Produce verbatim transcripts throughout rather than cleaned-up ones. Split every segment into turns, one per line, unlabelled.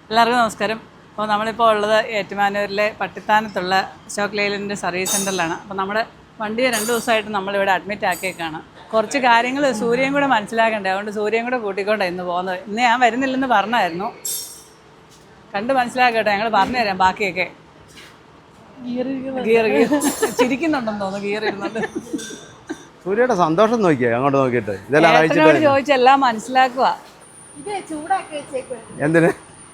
എല്ലാവർക്കും നമസ്കാരം. അപ്പോൾ നമ്മളിപ്പോൾ ഉള്ളത് ഏറ്റുമാനൂരിലെ പട്ടിത്താനത്തുള്ള അശോക് ലേലൻഡിൻ്റെ സർവീസ് സെൻ്ററിലാണ്. അപ്പോൾ നമ്മുടെ വണ്ടിയെ രണ്ട് ദിവസമായിട്ട് നമ്മളിവിടെ അഡ്മിറ്റ് ആക്കിയേക്കാണ്. കുറച്ച് കാര്യങ്ങൾ സൂര്യൻ കൂടെ മനസ്സിലാക്കണ്ടേ, അതുകൊണ്ട് സൂര്യൻ കൂടെ കൂട്ടിക്കൊണ്ടാണ് ഇന്ന് പോകുന്നത്. ഇന്ന് ഞാൻ വരുന്നില്ലെന്ന് പറഞ്ഞായിരുന്നു, കണ്ട് മനസ്സിലാക്കട്ടെ, ഞങ്ങൾ പറഞ്ഞുതരാം ബാക്കിയൊക്കെ. ഗിയർ ഗിയർ ചിരിക്കുന്നുണ്ടെന്ന് തോന്നുന്നു, ഗിയർ ഇരുന്നുണ്ട്.
സൂര്യയുടെ സന്തോഷം നോക്കിയാ അങ്ങോട്ട് നോക്കിയിട്ട്
ഇതെല്ലാം ചോദിച്ചെല്ലാം മനസ്സിലാക്കുക.
എന്തിന്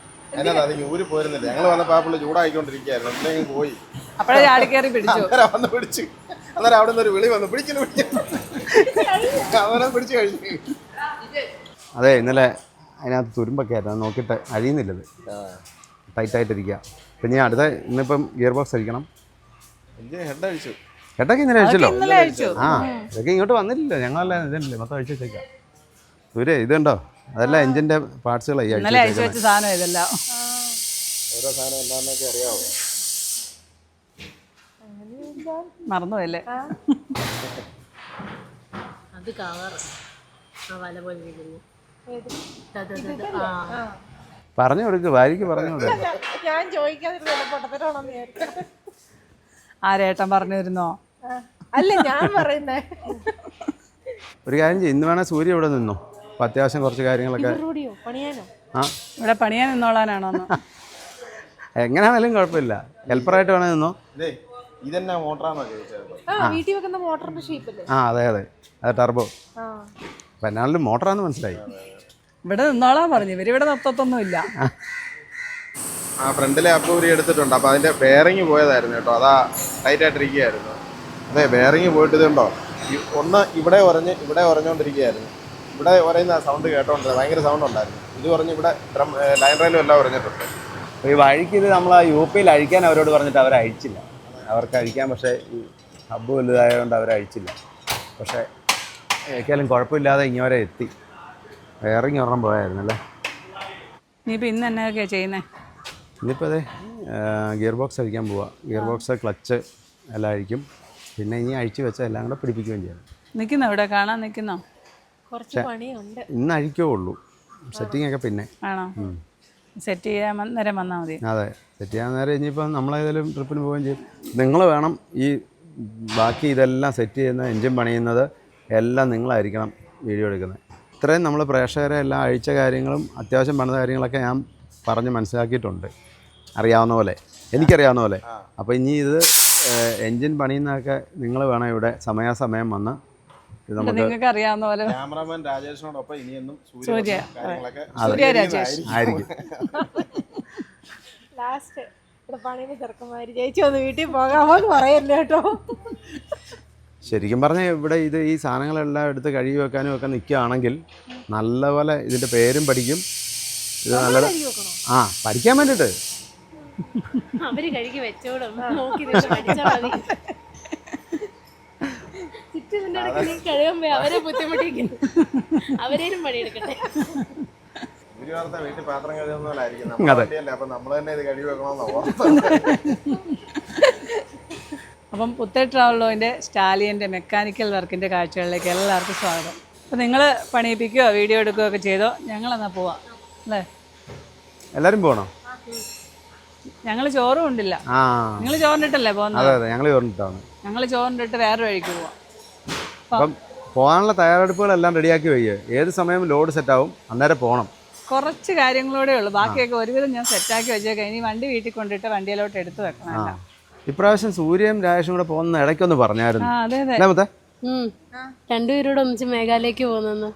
ഞങ്ങൾ വന്നപ്പോ പുള്ളി ചൂടായിക്കൊണ്ടിരിക്കുകയായിരുന്നു, എന്തെങ്കിലും പോയി
അപ്പോഴേ ചാടി കയറി പിടിച്ചു.
വന്ന് പിടിച്ചു. അന്നേരം അവിടെ നിന്ന് ഒരു വിളി വന്നു, പിടിക്കുന്നു പിടിക്കുന്നു പിടിച്ചു കഴിഞ്ഞു.
അതെ, ഇന്നലെ അതിനകത്ത് തുരുമ്പൊക്കെ ആയിരുന്നു, നോക്കിയിട്ട് അഴിയുന്നില്ലത്, ടൈറ്റായിട്ടിരിക്കുക. പിന്നെ അടുത്ത ഇന്നിപ്പം ഗിയർ ബോക്സ് അടിക്കണം.
ഹെഡ് അഴിച്ചു,
ഹെഡൊക്കെ ഇന്നലെ അഴിച്ചല്ലോ.
അഴിച്ചു.
ആ, ഇതൊക്കെ ഇങ്ങോട്ട് വന്നില്ലല്ലോ, ഞങ്ങളെല്ലാം ഇതില്ലേ മൊത്തം അഴിച്ചു വെച്ചേക്കാം. സൂര്യ ഇതുണ്ടോ, അതെല്ലാം എഞ്ചിന്റെ പാർട്സുകളായി
അഴിച്ചു വെച്ച സാധനം ഇതെല്ലാം.
ഓരോ സാധനം എന്താണെന്നൊക്കെ അറിയാവോ?
മറന്നുപോയല്ലേ?
അത് കവർ വല പോലെ വീഴുന്നു.
പറഞ്ഞു കൊടുക്ക്, ഭാര്യക്ക് പറഞ്ഞു കൊടുക്ക.
ഞാൻ ചോദിക്കാതിരുന്നു
ആരേട്ടൻ പറഞ്ഞിരുന്നോ?
അല്ല, ഞാൻ പറയുന്നേ.
ഒരു കാര്യം ചെയ്യും, ഇന്ന് വേണേൽ സൂര്യ ഇവിടെ നിന്നോ, അപ്പം അത്യാവശ്യം കുറച്ച് കാര്യങ്ങളൊക്കെ. ആ,
ഇവിടെ പണിയാൻ നിന്നോളാനാണോ?
എങ്ങനെയാണെങ്കിലും കുഴപ്പമില്ല, ഹെൽപ്പറായിട്ട് വേണേൽ നിന്നോ.
ഇതെന്നാ മോട്ടറാണോ ചോദിച്ചത്?
വീട്ടിൽ വെക്കുന്ന മോട്ടറിന്റെ ഷേപ്പല്ലേ?
ആ അതെ അതെ, അത് ടർബോ. അപ്പം എന്നാലും മോട്ടറാന്ന് മനസ്സിലായി.
ഇവിടെ നിന്നോളാൻ പറഞ്ഞു, ഇവരിവിടെ നിർത്തത്തൊന്നും ഇല്ല.
ആ ഫ്രണ്ടിലെ അപ്പൂരി എടുത്തിട്ടുണ്ട്, അപ്പോൾ അതിൻ്റെ ബെയറിങ് പോയതായിരുന്നു കേട്ടോ, അതാ ടൈറ്റായിട്ടിരിക്കുകയായിരുന്നു. അതെ, ബെയറിങ് പോയിട്ട് ഇതുണ്ടോ, ഒന്ന് ഇവിടെ ഉറഞ്ഞ് ഇവിടെ ഉറഞ്ഞുകൊണ്ടിരിക്കുകയായിരുന്നു. ഇവിടെ ഉറയുന്ന സൗണ്ട് കേട്ടോണ്ടിരുന്നത്, ഭയങ്കര സൗണ്ട് ഉണ്ടായിരുന്നു. ഇത് പറഞ്ഞ് ഇവിടെ ഡ്രം ലൈൻ റെയിലും എല്ലാം ഉറഞ്ഞിട്ടുണ്ട്.
അപ്പോൾ ഈ വഴിക്ക് ഇത് നമ്മൾ ആ യു പിയിൽ അഴിക്കാൻ അവരോട് പറഞ്ഞിട്ട് അവർ അഴിച്ചില്ല. അവർക്ക് അഴിക്കാൻ പക്ഷേ ഈ ഹബ്ബ് വലുതായതുകൊണ്ട് അവർ അഴിച്ചില്ല. പക്ഷേ ഏക്കാലും കുഴപ്പമില്ലാതെ ഇങ്ങോരെ എത്തി. ബെയറിങ് ഒരെണ്ണം പോയായിരുന്നു അല്ലേ.
ഇനിയിപ്പോൾ ഇന്ന് എന്നൊക്കെയാണ് ചെയ്യുന്നത്?
ഇന്നിപ്പോൾ അതെ, ഗിയർ ബോക്സ് അഴിക്കാൻ പോവാം. ഗിയർ ബോക്സ്, ക്ലച്ച് എല്ലാം അഴിക്കും. പിന്നെ ഇനി അഴിച്ചു വെച്ചാൽ എല്ലാം കൂടെ പിടിപ്പിക്കുകയും ചെയ്യണം.
നിൽക്കുന്നോ ഇവിടെ കാണാൻ നിൽക്കുന്നോ?
കുറച്ച് പണിയുണ്ട്.
ഇന്ന് അഴിക്കേ ഉള്ളൂ, സെറ്റിംഗ് ഒക്കെ പിന്നെ
ആണോ? സെറ്റ് ചെയ്യാൻ നേരം വന്നാൽ മതി.
അതെ, സെറ്റ് ചെയ്യാൻ നേരം ഇനിയിപ്പം നമ്മളേതെങ്കിലും ട്രിപ്പിന് പോവുകയും ചെയ്യും. നിങ്ങൾ വേണം ഈ ബാക്കി ഇതെല്ലാം സെറ്റ് ചെയ്യുന്ന, എൻജിൻ പണിയുന്നത് എല്ലാം നിങ്ങളായിരിക്കണം വീഡിയോ എടുക്കുന്നത്. ഇത്രയും നമ്മൾ പ്രേക്ഷകരെ എല്ലാം അഴിച്ച കാര്യങ്ങളും അത്യാവശ്യം പണിത കാര്യങ്ങളൊക്കെ ഞാൻ പറഞ്ഞ് മനസ്സിലാക്കിയിട്ടുണ്ട്, അറിയാവുന്ന പോലെ, എനിക്കറിയാവുന്ന പോലെ. അപ്പോൾ ഇനി ഇത് എൻജിൻ പണിയുന്നതൊക്കെ നിങ്ങൾ വേണം ഇവിടെ സമയാസമയം വന്ന് ഇത് നമുക്ക്
നിങ്ങൾക്ക് അറിയാവുന്ന പോലെ.
ക്യാമറാമാൻ രാജേഷിനോടൊപ്പം ഇനിയൊന്നും
സൂര്യ
സൂര്യ
രാജേഷ്
ആയിരിക്കും.
ലാസ്റ്റ് ഇവിടെ പണിയുടെ ചെറുക്കന്മാര് ചേച്ചി ഒന്ന് വീട്ടിൽ പോകാമോ എന്ന് പറയല്ലേ കേട്ടോ.
ശരിക്കും പറഞ്ഞാൽ ഇവിടെ ഇത് ഈ സാധനങ്ങളെല്ലാം എടുത്ത് കഴുകി വെക്കാനും ഒക്കെ നിൽക്കുകയാണെങ്കിൽ നല്ലപോലെ ഇതിൻ്റെ പേരും പഠിക്കും. ഇത് നല്ല ആ പഠിക്കാൻ വേണ്ടിയിട്ട്
അവര് കഴുകി വെച്ചോടും, നോക്കി പഠിച്ചാൽ മതി. ചുറ്റിന്റെ ഇടയ്ക്ക് കഴിയുമ്പോ അവരെ ബുദ്ധിമുട്ടിക്കുന്നു, അവരേലും പണിയെടുക്കട്ടെ.
വീട്ടിൽ പാത്രം കഴുകുന്നതായിരിക്കും, അപ്പൊ നമ്മൾ തന്നെ ഇത് കഴുകി വെക്കണമെന്നോ.
അപ്പം പുത്തേ ട്രാവലോൻ്റെ സ്റ്റാലിയൻ്റെ മെക്കാനിക്കൽ വർക്കിൻ്റെ കാഴ്ചകളിലേക്ക് എല്ലാവർക്കും സ്വാഗതം. അപ്പം നിങ്ങൾ പണിയിപ്പിക്കുകയോ വീഡിയോ എടുക്കുകയോ ഒക്കെ ചെയ്തോ, ഞങ്ങളെന്നാൽ പോവാം അല്ലേ?
എല്ലാവരും പോകണോ?
ഞങ്ങൾ ചോറും ഉണ്ടില്ല.
ആ,
നിങ്ങൾ ചോറിനിട്ടല്ലേ പോകുന്നത്?
അതെ അതെ, ഞങ്ങൾ ചോറിനിട്ടാണ്.
ഞങ്ങൾ ചോറിനിട്ട് വേറെ വഴിക്ക് പോവാം.
അപ്പം പോകാനുള്ള തയ്യാറെടുപ്പുകളെല്ലാം റെഡിയാക്കി വയ്ക്കുക. ഏത് സമയം ലോഡ് സെറ്റാവും, അന്നേരം പോകണം.
കുറച്ച് കാര്യങ്ങളൂടെ ഉള്ളൂ, ബാക്കിയൊക്കെ ഒരുവിധം ഞാൻ സെറ്റാക്കി വെച്ചേക്കാം. ഇനി വണ്ടി വീട്ടിൽ കൊണ്ടിട്ട് വണ്ടിയിലോട്ട് എടുത്ത് വെക്കണം.
ഇപ്രാവശ്യം സൂര്യയും രാജേഷും കൂടെ പോകുന്ന ഇടയ്ക്കൊന്ന് പറഞ്ഞായിരുന്നു.
അതെ അതെ,
രണ്ടുപേരോട് ഒന്നിച്ച് മേഘാലയക്ക് പോകുന്നു.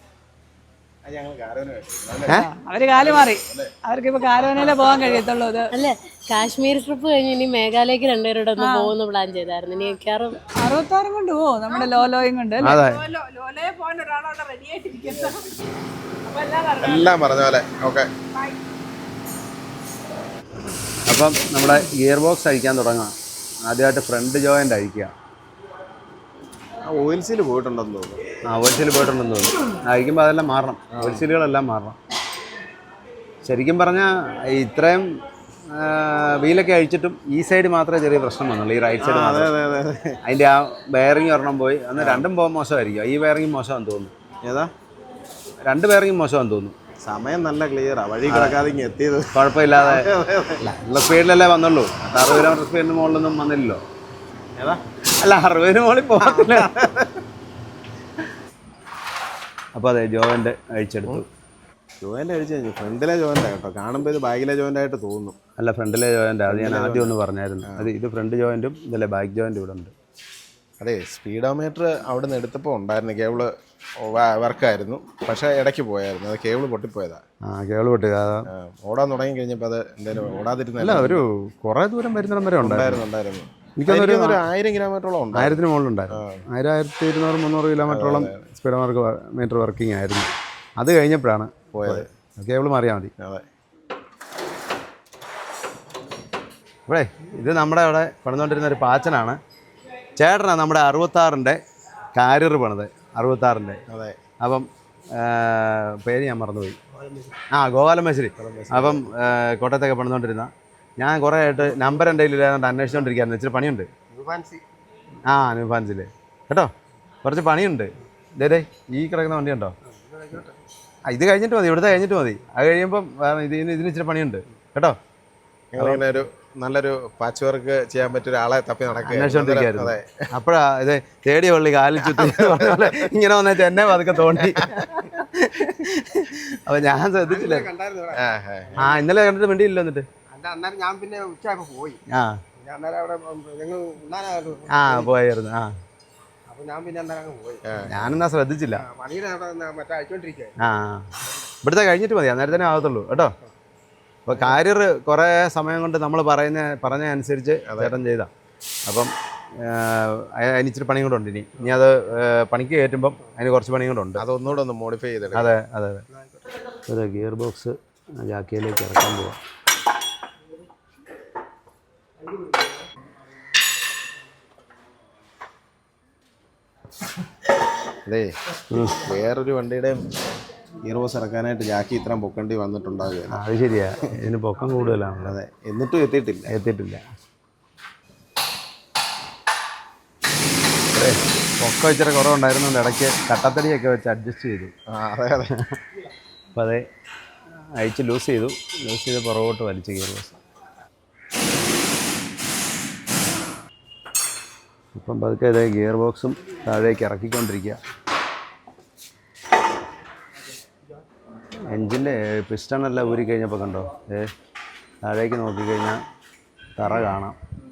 അവര് കാല് മാറി, അവർക്ക് ഇപ്പൊ കാരോനയിലേ പോകാൻ കഴിയത്തുള്ളൂ. ഇത്
അല്ലേ, കാശ്മീർ ട്രിപ്പ് കഴിഞ്ഞ് ഇനി മേഘാലയക്ക് രണ്ടുപേരോട് ഒന്ന് പോകുന്ന പ്ലാൻ ചെയ്തായിരുന്നു. ഇനി മിക്കവാറും
അറുപത്താറും കൊണ്ട് പോവും, നമ്മുടെ ലോലോയും കൊണ്ട്.
ലോലയെ പോകാൻ ഒരാളവിടെ റെഡി ആയിട്ടിരിക്കുന്നു.
എല്ലാം പറഞ്ഞ പോലെ ഓക്കെ.
അപ്പം നമ്മുടെ ഗിയർ ബോക്സ് അഴിക്കാൻ തുടങ്ങാം. ആദ്യമായിട്ട് ഫ്രണ്ട് ജോയിൻ്റ് അഴിക്കുക.
ഓയിൽ സീൽ പോയിട്ടുണ്ടെന്ന് തോന്നുന്നു.
ആ, ഓയിൽ സീൽ പോയിട്ടുണ്ടെന്ന് തോന്നുന്നു. അഴിക്കുമ്പോൾ അതെല്ലാം മാറണം, ഓയിൽ സീലുകളെല്ലാം മാറണം. ശരിക്കും പറഞ്ഞാൽ ഇത്രയും വീലൊക്കെ അഴിച്ചിട്ടും ഈ സൈഡ് മാത്രമേ ചെറിയ പ്രശ്നം വന്നുള്ളൂ, ഈ റൈറ്റ് സൈഡ്. അതിൻ്റെ ആ ബെയറിങ് ഒരെണ്ണം പോയി, അന്ന് രണ്ടും പോകാൻ മോശമായിരിക്കും. ഈ ബെയറിങ് മോശമാണെന്ന് തോന്നുന്നു.
ഏതാ?
രണ്ട് ബെയറിങ് മോശമാണെന്ന് തോന്നുന്നു.
സമയം നല്ല ക്ലിയറാ, വഴി കിടക്കാതെ ഇങ്ങ് എത്തിയത്.
കുഴപ്പമില്ലാതെ നല്ല സ്പീഡിലല്ലേ വന്നുള്ളൂ. അറുപത് കിലോമീറ്റർ സ്പീഡിന് മുകളിലൊന്നും വന്നില്ലല്ലോ.
ഏതാ?
അല്ല, അറുപതിന് മുകളിൽ പോകത്തില്ല. അപ്പോൾ അതെ, ജോയിൻ്റ് അഴിച്ചെടുത്തു.
ജോയിൻ്റ് അഴിച്ച് കഴിഞ്ഞു. ഫ്രണ്ടിലെ ജോയിൻ്റ് കേട്ടോ, കാണുമ്പോൾ ഇത് ബാക്കിലെ ജോയിൻ്റ് ആയിട്ട് തോന്നുന്നു.
അല്ല, ഫ്രണ്ടിലെ ജോയിൻ്റ്. അത് ഞാൻ ആദ്യം ഒന്ന് പറഞ്ഞായിരുന്നു. അത് ഇത് ഫ്രണ്ട് ജോയിൻറ്റും ഇതല്ലേ ബാക്ക് ജോയിൻറ്റും ഇവിടെ ഉണ്ട്.
അതെ, സ്പീഡോമീറ്റർ അവിടെ നിന്ന് എടുത്തപ്പോൾ ഉണ്ടായിരുന്നു, കേബിള് വർക്കായിരുന്നു, പക്ഷേ ഇടയ്ക്ക് പോയായിരുന്നു. അത് കേബിള് പൊട്ടിപ്പോയതാ.
ആ, കേബിൾ പൊട്ടി.
ഓടാൻ തുടങ്ങി കഴിഞ്ഞപ്പോൾ അത് എന്തായാലും ഓടാതിരുന്നില്ല.
അല്ല, ഒരു കുറേ ദൂരം വരുന്നിടം വരെ ഉണ്ടായിരുന്നു.
ഉണ്ടായിരുന്നു
എനിക്കൊന്നൊരു
ഒരു ആയിരം കിലോമീറ്ററോളം ഉണ്ട്.
ആയിരത്തിന് മുകളിലുണ്ടായിരുന്നു. ആയിരം ആയിരത്തി ഇരുന്നൂറ് മുന്നൂറ് കിലോമീറ്ററോളം സ്പീഡ് മാർക്ക് മീറ്റർ വർക്കിംഗ് ആയിരുന്നു. അത് കഴിഞ്ഞപ്പോഴാണ്
പോയത്.
കേബിൾ മാറിയാൽ മതി.
അതെ.
ഇവിടെ ഇത് നമ്മുടെ അവിടെ പണിതുകൊണ്ടിരുന്ന ഒരു പാച്ചനാണ്. ചേട്ടനാണ് നമ്മുടെ അറുപത്താറിൻ്റെ കാരിയർ പണിത്. അറുപത്താറിൻ്റെ.
അതെ.
അപ്പം പേര് ഞാൻ മറന്നുപോയി. ആ, ഗോപാലൻ മേശ്ശേരി. അപ്പം കോട്ടയത്തൊക്കെ പണിതുകൊണ്ടിരുന്ന ഞാൻ കുറേ ആയിട്ട് നമ്പർ എൻ്റെ കയ്യിലില്ലാതെ അന്വേഷിച്ചുകൊണ്ടിരിക്കുകയായിരുന്നു. ഇച്ചിരി പണിയുണ്ട്. ആ, ന്യൂ ഫാൻസിൽ കേട്ടോ, കുറച്ച് പണിയുണ്ട്. ഇതേ ഈ കിടക്കുന്ന വണ്ടി ഉണ്ടോ? ആ, ഇത് കഴിഞ്ഞിട്ട് മതി, ഇവിടുത്തെ കഴിഞ്ഞിട്ട് മതി. അത് കഴിയുമ്പം ഇതിന് ഇതിന് ഇച്ചിരി പണിയുണ്ട് കേട്ടോ.
ഞങ്ങളിങ്ങനെ ഒരു നല്ലൊരു പാച്ച് വർക്ക് ചെയ്യാൻ പറ്റിയ ഒരാളെ തപ്പി
അന്വേഷിച്ചോണ്ടിരിക്കുകയായിരുന്നു. അപ്പോഴാ ഇത് തേടിയ പള്ളി കാലിൽ ചുറ്റി പറഞ്ഞ ഇങ്ങനെ വന്നേച്ച് എന്നെ പതുക്കെ തോണ്ടി. അപ്പൊ ഞാൻ ശ്രദ്ധിച്ചില്ല. ആ, ഇന്നലെ കണ്ടിട്ട് വേണ്ടിയില്ല. എന്നിട്ട്
ഞാൻ പിന്നെ ഉച്ചയായപ്പോ പോയി.
ആ ആ പോയായിരുന്നു. ആ,
അപ്പൊ ഞാൻ പിന്നെ എന്തായാലും പോയി.
ഞാനെന്നാ ശ്രദ്ധിച്ചില്ല.
പണിയുടെ മറ്റേ അയച്ചോണ്ടിരിക്കുക.
ആ, ഇവിടുത്തെ കഴിഞ്ഞിട്ട് മതി, അന്നേരം തന്നെ ആകത്തുള്ളൂ കേട്ടോ. അപ്പോൾ കാരിയർ കുറേ സമയം കൊണ്ട് നമ്മൾ പറയുന്ന പറഞ്ഞ അനുസരിച്ച് ചേട്ടൻ ചെയ്താ. അപ്പം അതിന് ഇച്ചിരി പണിയും കൂടെ ഉണ്ട്. ഇനി ഇനി അത് പണിക്ക് കയറ്റുമ്പം അതിന് കുറച്ച് പണിയും കൂടെ ഉണ്ട്.
അതൊന്നുകൂടെ ഒന്ന് മോഡിഫൈ ചെയ്തിട്ട്.
അതെ അതെ അതെ. അതെ, ഗിയർ ബോക്സ് ജാക്കിയിലേക്ക് ഇറക്കാൻ പോവാം.
അതെ, വേറൊരു വണ്ടിയുടെ ഗിയർ ബോക്സ് ഇറക്കാനായിട്ട് ജാക്കി ഇത്രയും പൊക്കേണ്ടി വന്നിട്ടുണ്ടാകുക.
അത് ശരിയാ, ഇതിന് പൊക്കം കൂടുതലാണ്.
അതെ, എന്നിട്ടും എത്തിയിട്ടില്ല
എത്തിയിട്ടില്ല പൊക്കം ഇച്ചിരി കുറവുണ്ടായിരുന്നുകൊണ്ട് ഇടയ്ക്ക് കട്ടത്തടിയൊക്കെ വെച്ച് അഡ്ജസ്റ്റ് ചെയ്തു.
അതെ അതെ.
അപ്പം അതെ, അയച്ച് ലൂസ് ചെയ്തു. ലൂസ് ചെയ്ത് പുറകോട്ട് വലിച്ചു ഗിയർ ബോക്സ്. ഇപ്പം പതുക്കെ ഇതേ ഗിയർ ബോക്സും താഴേക്ക് ഇറക്കിക്കൊണ്ടിരിക്കുക. എൻജിൻ്റെ പിസ്റ്റണെല്ലാം ഊരി കഴിഞ്ഞപ്പോൾ കണ്ടോ, ഏ താഴേക്ക് നോക്കിക്കഴിഞ്ഞാൽ തറ കാണാം.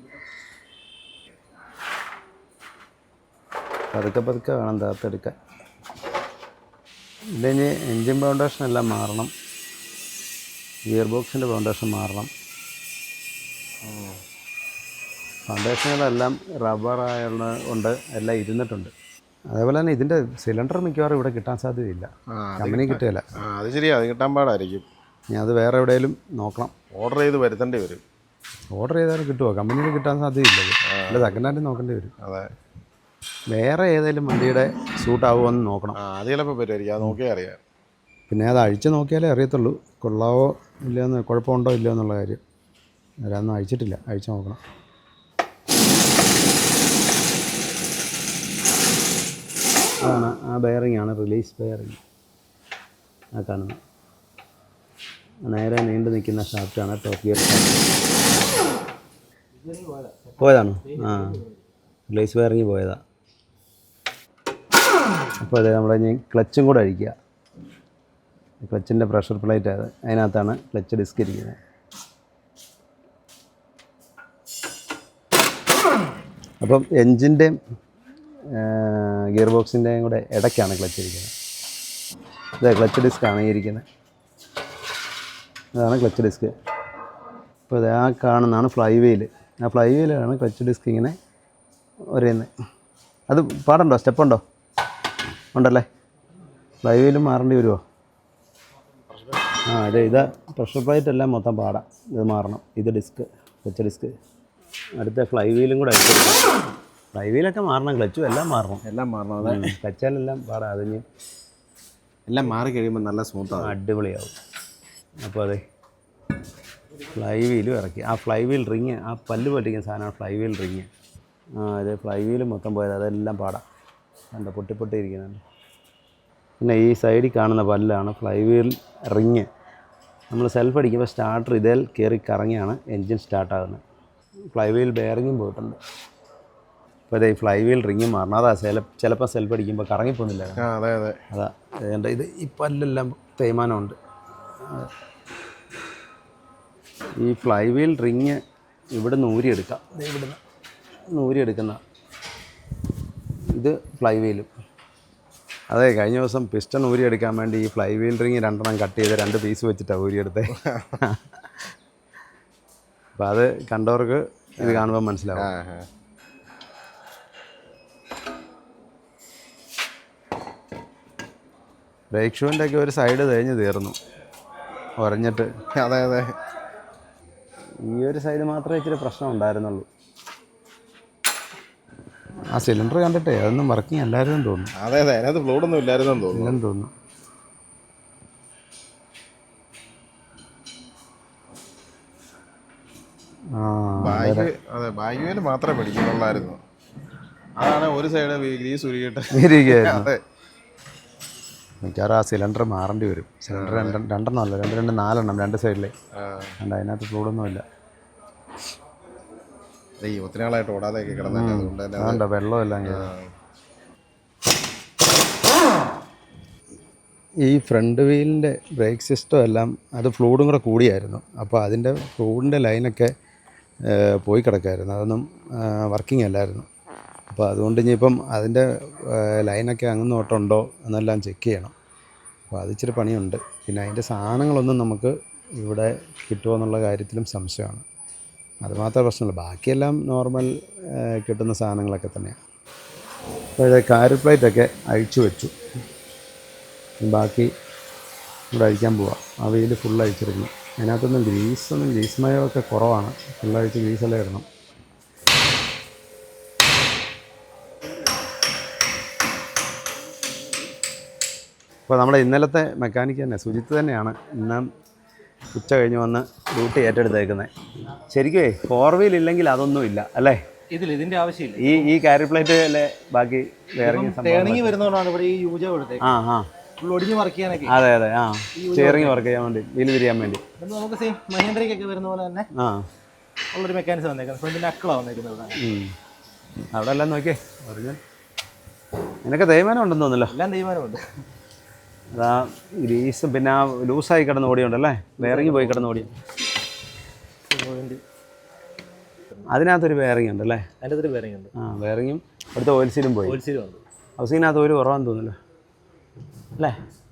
പതുക്കെ പതുക്കെ വേണം താത്തെടുക്കാൻ. ഇതിന് എൻജിൻ ഫൗണ്ടേഷൻ എല്ലാം മാറണം, ഗിയർ ബോക്സിൻ്റെ ഫൗണ്ടേഷൻ മാറണം. ഫൗണ്ടേഷനുകളെല്ലാം റബ്ബറായുള്ള കൊണ്ട് എല്ലാം ഇരുന്നിട്ടുണ്ട്. അതേപോലെ തന്നെ ഇതിൻ്റെ സിലിണ്ടർ മിക്കവാറും ഇവിടെ കിട്ടാൻ സാധ്യതയില്ല, കമ്പനി കിട്ടുകയില്ല.
അത് ശരിയാ, അത് കിട്ടാൻ പാടായിരിക്കും.
ഇനി അത് വേറെ എവിടെയെങ്കിലും നോക്കണം,
ഓർഡർ ചെയ്ത് വരുത്തേണ്ടി വരും.
ഓർഡർ ചെയ്താലും കിട്ടുമോ? കമ്പനിയിൽ കിട്ടാൻ സാധ്യതയില്ല. അല്ല, സെക്കൻഡ് ഹാൻഡ് നോക്കേണ്ടി വരും.
അതെ,
വേറെ ഏതെങ്കിലും വണ്ടിയുടെ സൂട്ടാവുമോ എന്ന് നോക്കണം.
അത് ചിലപ്പോൾ പറ്റുമായിരിക്കും, അത് നോക്കിയാൽ അറിയാം.
പിന്നെ അത് അഴിച്ച് നോക്കിയാലേ അറിയത്തുള്ളൂ കൊള്ളാവോ ഇല്ലയെന്ന്, കുഴപ്പമുണ്ടോ ഇല്ലയോ എന്നുള്ള കാര്യം. അതൊന്നും അഴിച്ചിട്ടില്ല, അഴിച്ച് നോക്കണം. അതാണ് ആ ബെയറിംഗ് ആണ്, റിലീസ് ബെയറിംഗ്. ആ കാണുന്നത് നേരെ നീണ്ടു നിൽക്കുന്ന ഷാഫ്റ്റാണ് ടോപ്പ് ഗിയർ ഷാഫ്റ്റ്. പോയതാണോ? ആ, റിലീസ് ബെയറിംഗ് പോയതാ. അപ്പോൾ അതെ, നമ്മുടെ ഇനി ക്ലച്ചും കൂടെ അഴിക്കുക. ക്ലച്ചിൻ്റെ പ്രഷർ പ്ലേറ്റ് അത്, അതിനകത്താണ് ക്ലച്ച് ഡിസ്ക് ഇരിക്കുന്നത്. അപ്പം എൻജിൻ്റെയും ഗിയർ ബോക്സിൻ്റെയും കൂടെ ഇടയ്ക്കാണ് ക്ലച്ച് ഇരിക്കുന്നത്. ഇതേ ക്ലച്ച് ഡിസ്ക്കാണ് ഈ ഇരിക്കുന്നത്, അതാണ് ക്ലച്ച് ഡിസ്ക്. അപ്പോൾ ഇത് ആ കാണുന്നതാണ് ഫ്ലൈ വീല്. ആ ഫ്ലൈ വീലാണ് ക്ലച്ച് ഡിസ്ക് ഇങ്ങനെ ഒരേന്ന്. അത് പാടുണ്ടോ, സ്റ്റെപ്പുണ്ടോ? ഉണ്ടല്ലേ. ഫ്ലൈ വീലും മാറേണ്ടി വരുമോ? ആ അതെ, ഇത് പ്രഷർ പ്ലേറ്റ് എല്ലാം മൊത്തം പാടാം, ഇത് മാറണം. ഇത് ഡിസ്ക്, ക്ലച്ച് ഡിസ്ക്. അടുത്ത ഫ്ലൈ വീലും കൂടെ അടിച്ചെടുക്കണം. ഫ്ലൈ വീലൊക്കെ മാറണം, ക്ലച്ചും എല്ലാം മാറണം.
എല്ലാം മാറണം. അതെ,
ക്ലച്ചാലെല്ലാം പാടാം. അതിന്
എല്ലാം മാറി കഴിയുമ്പോൾ നല്ല സ്മൂത്താണ്,
അടിപൊളിയാവും. അപ്പോൾ അതെ, ഫ്ലൈ വീലും ഇറക്കി. ആ ഫ്ലൈ വീൽ റിങ്, ആ പല്ല് പൊട്ടിക്കുന്ന സാധനമാണ് ഫ്ലൈ വീൽ റിങ്. ആ അതെ, ഫ്ലൈ വീല് മൊത്തം പോയത്, അതെല്ലാം പാടാം. കണ്ടോ, പൊട്ടി പൊട്ടി ഇരിക്കുന്നുണ്ട്. പിന്നെ ഈ സൈഡിൽ കാണുന്ന പല്ലാണ് ഫ്ലൈ വീൽ റിങ്. നമ്മൾ സെൽഫ് അടിക്കുമ്പോൾ സ്റ്റാർട്ടർ ഇതിൽ കയറി കറങ്ങിയാണ് എൻജിൻ സ്റ്റാർട്ടാകുന്നത്. ഫ്ലൈ വീൽ ബെയറിങ്ങും പോയിട്ടുണ്ട്. അപ്പോൾ അതെ ഈ ഫ്ലൈ വീൽ റിങ്ങും മാറണം. അതാ ചില ചിലപ്പോൾ സെൽഫ് അടിക്കുമ്പോൾ കറങ്ങിപ്പോകുന്നില്ല.
അതെ അതെ
അതാ എൻ്റെ ഇത് ഈ പല്ലെല്ലാം തേയ്മാനമുണ്ട്. ഈ ഫ്ലൈ വീൽ റിങ് ഇവിടുന്ന് ഊരിയെടുക്കാം. ഇത് ഇവിടുന്ന് ഊരിയെടുക്കുന്ന ഇത് ഫ്ലൈ വീലും. അതെ കഴിഞ്ഞ ദിവസം പിസ്റ്റൺ ഊരിയെടുക്കാൻ വേണ്ടി ഈ ഫ്ലൈ വീൽ റിങ് രണ്ടെണ്ണം കട്ട് ചെയ്ത് രണ്ട് പീസ് വെച്ചിട്ടാണ് ഊരിയെടുത്തത്. അപ്പോൾ അത് കണ്ടവർക്ക് ഇത് കാണുമ്പോൾ മനസ്സിലാവും. ബ്രേക്ക് ഷൂവിൻ്റെ ഒക്കെ ഒരു സൈഡ് തേഞ്ഞ് തീർന്നു ഉരഞ്ഞിട്ട്.
അതെ അതെ
ഈ ഒരു സൈഡ് മാത്രമേ ഇച്ചിരി പ്രശ്നം ഉണ്ടായിരുന്നുള്ളൂ. ആ സിലിണ്ടർ കണ്ടിട്ടേ അതൊന്നും വർക്കിംഗ് അല്ലായിരുന്നു തോന്നുന്നു.
അതെ അതെ അതിനകത്ത് ഫ്ലൂഡൊന്നും ഇല്ലായിരുന്നെന്ന് തോന്നുന്നു.
ഇല്ലെന്ന് തോന്നുന്നു.
ബാഗ് അതെ ബാഗ് വീല് മാത്രമേ പിടിക്കുന്നുള്ളായിരുന്നു. അതാണ് ഒരു സൈഡ് ഗ്രീസ് ഉരുകിയിട്ട്
ഇരിക്കുകയായിരുന്നു.
അതെ
മിക്കവാറും ആ സിലിണ്ടർ മാറേണ്ടി വരും. സിലിണ്ടർ രണ്ട് രണ്ടെണ്ണം അല്ല രണ്ട് രണ്ട് നാലെണ്ണം രണ്ട് സൈഡിലെ ഉണ്ട്. അതിനകത്ത് ഫ്ലൂഡൊന്നുമില്ല.
ഈ ഒത്തിരി നാളായിട്ട് ഓടാതെയൊക്കെ കിടന്നില്ല. അതുകൊണ്ട് തന്നെ
അതുകൊണ്ടോ വെള്ളമെല്ലാം കയറി. ഈ ഫ്രണ്ട് വീലിൻ്റെ ബ്രേക്ക് സിസ്റ്റം എല്ലാം അത് ഫ്ലൂഡും കൂടെ കൂടിയായിരുന്നു. അപ്പോൾ അതിൻ്റെ ഫ്ലൂഡിൻ്റെ ലൈനൊക്കെ പോയി കിടക്കായിരുന്നു. അതൊന്നും വർക്കിംഗ് അല്ലായിരുന്നു. അപ്പോൾ അതുകൊണ്ട് ഇനിയിപ്പം അതിൻ്റെ ലൈനൊക്കെ അങ്ങ് തൊട്ടുണ്ടോ എന്നെല്ലാം ചെക്ക് ചെയ്യണം. അപ്പോൾ അത് ഇച്ചിരി പണിയുണ്ട്. പിന്നെ അതിൻ്റെ സാധനങ്ങളൊന്നും നമുക്ക് ഇവിടെ കിട്ടുമോ എന്നുള്ള കാര്യത്തിലും സംശയമാണ്. അതുമാത്രമേ പ്രശ്നമുള്ളൂ. ബാക്കിയെല്ലാം നോർമൽ കിട്ടുന്ന സാധനങ്ങളൊക്കെ തന്നെയാണ്. അപ്പോൾ കാര് പ്ലേറ്റൊക്കെ അഴിച്ചു വെച്ചു. ബാക്കി ഇവിടെ അഴിക്കാൻ പോവാം. ആ വെയിൽ ഫുൾ അഴിച്ചിരുന്നു. അതിനകത്തൊന്നും ഗ്രീസൊന്നും ഗ്രീസ് മയമൊക്കെ കുറവാണ്. ഫുള്ളഴിച്ച് ഗ്രീസെല്ലാം ഇടണം. അപ്പോൾ നമ്മുടെ ഇന്നലത്തെ മെക്കാനിക്ക് തന്നെ സുജിത്ത് തന്നെയാണ് ഇന്ന് ഉച്ച കഴിഞ്ഞ് വന്ന് ഡ്യൂട്ടി ഏറ്റെടുത്തേക്കുന്നത്. ശരിക്കും ഫോർ വീൽ ഇല്ലെങ്കിൽ അതൊന്നും ഇല്ല അല്ലേ?
ഇതിൽ ഇതിന്റെ ആവശ്യമില്ല.
ഈ ഈ കാരി പ്ലേറ്റിലെ ബാക്കി വേറെ
ടേണിങ് വരുന്നതുകൊണ്ടാണ് ഇവിടെ ഈ യൂജ കൊടുത്തേക്ക്.
ആ ആ
ഒടിഞ്ഞ് വർക്ക് ചെയ്യാനൊക്കെ.
അതെ അതെ ആ സ്റ്റിയറിംഗ് വർക്ക് ചെയ്യാൻ വേണ്ടി വീല് തിരിയാൻ വേണ്ടി
നമുക്ക് സെയിം മഹേന്ദ്രയ്ക്കൊക്കെ വരുന്ന പോലെ തന്നെ
ആ
ഉള്ളൊരു മെക്കാനിസം വന്നേക്കുന്നത്. ഫ്രണ്ടിൻ്റെ അക്കളാണ് വന്നേക്കുന്നത്.
അവിടെ എല്ലാം നോക്കിയേ പറഞ്ഞാൽ നിനക്ക് തേയ്മാനം ഉണ്ടെന്ന് തോന്നുന്നല്ലോ.
എല്ലാം തീരുമാനമുണ്ട്.
അതാ ഗ്രീസും പിന്നെ ആ ലൂസായി കിടന്ന് ഓടിയുണ്ടല്ലേ? ബെയറിങ് പോയി കിടന്ന് ഓടി. അതിനകത്തൊരു ബെയറിംഗ് ഉണ്ടല്ലേ?
അതിൻ്റെ ഒരു ബെയറിംഗ് ഉണ്ട്.
ആ ബെയറിങ്ങും അവിടുത്തെ ഓയിൽ സീലും പോയി.
ഓയിൽ സീലും ഉണ്ട്.
ഹൗസിങ്ങിനകത്ത് ഒരു കുറവാന്ന് തോന്നുന്നല്ലോ അല്ലേ?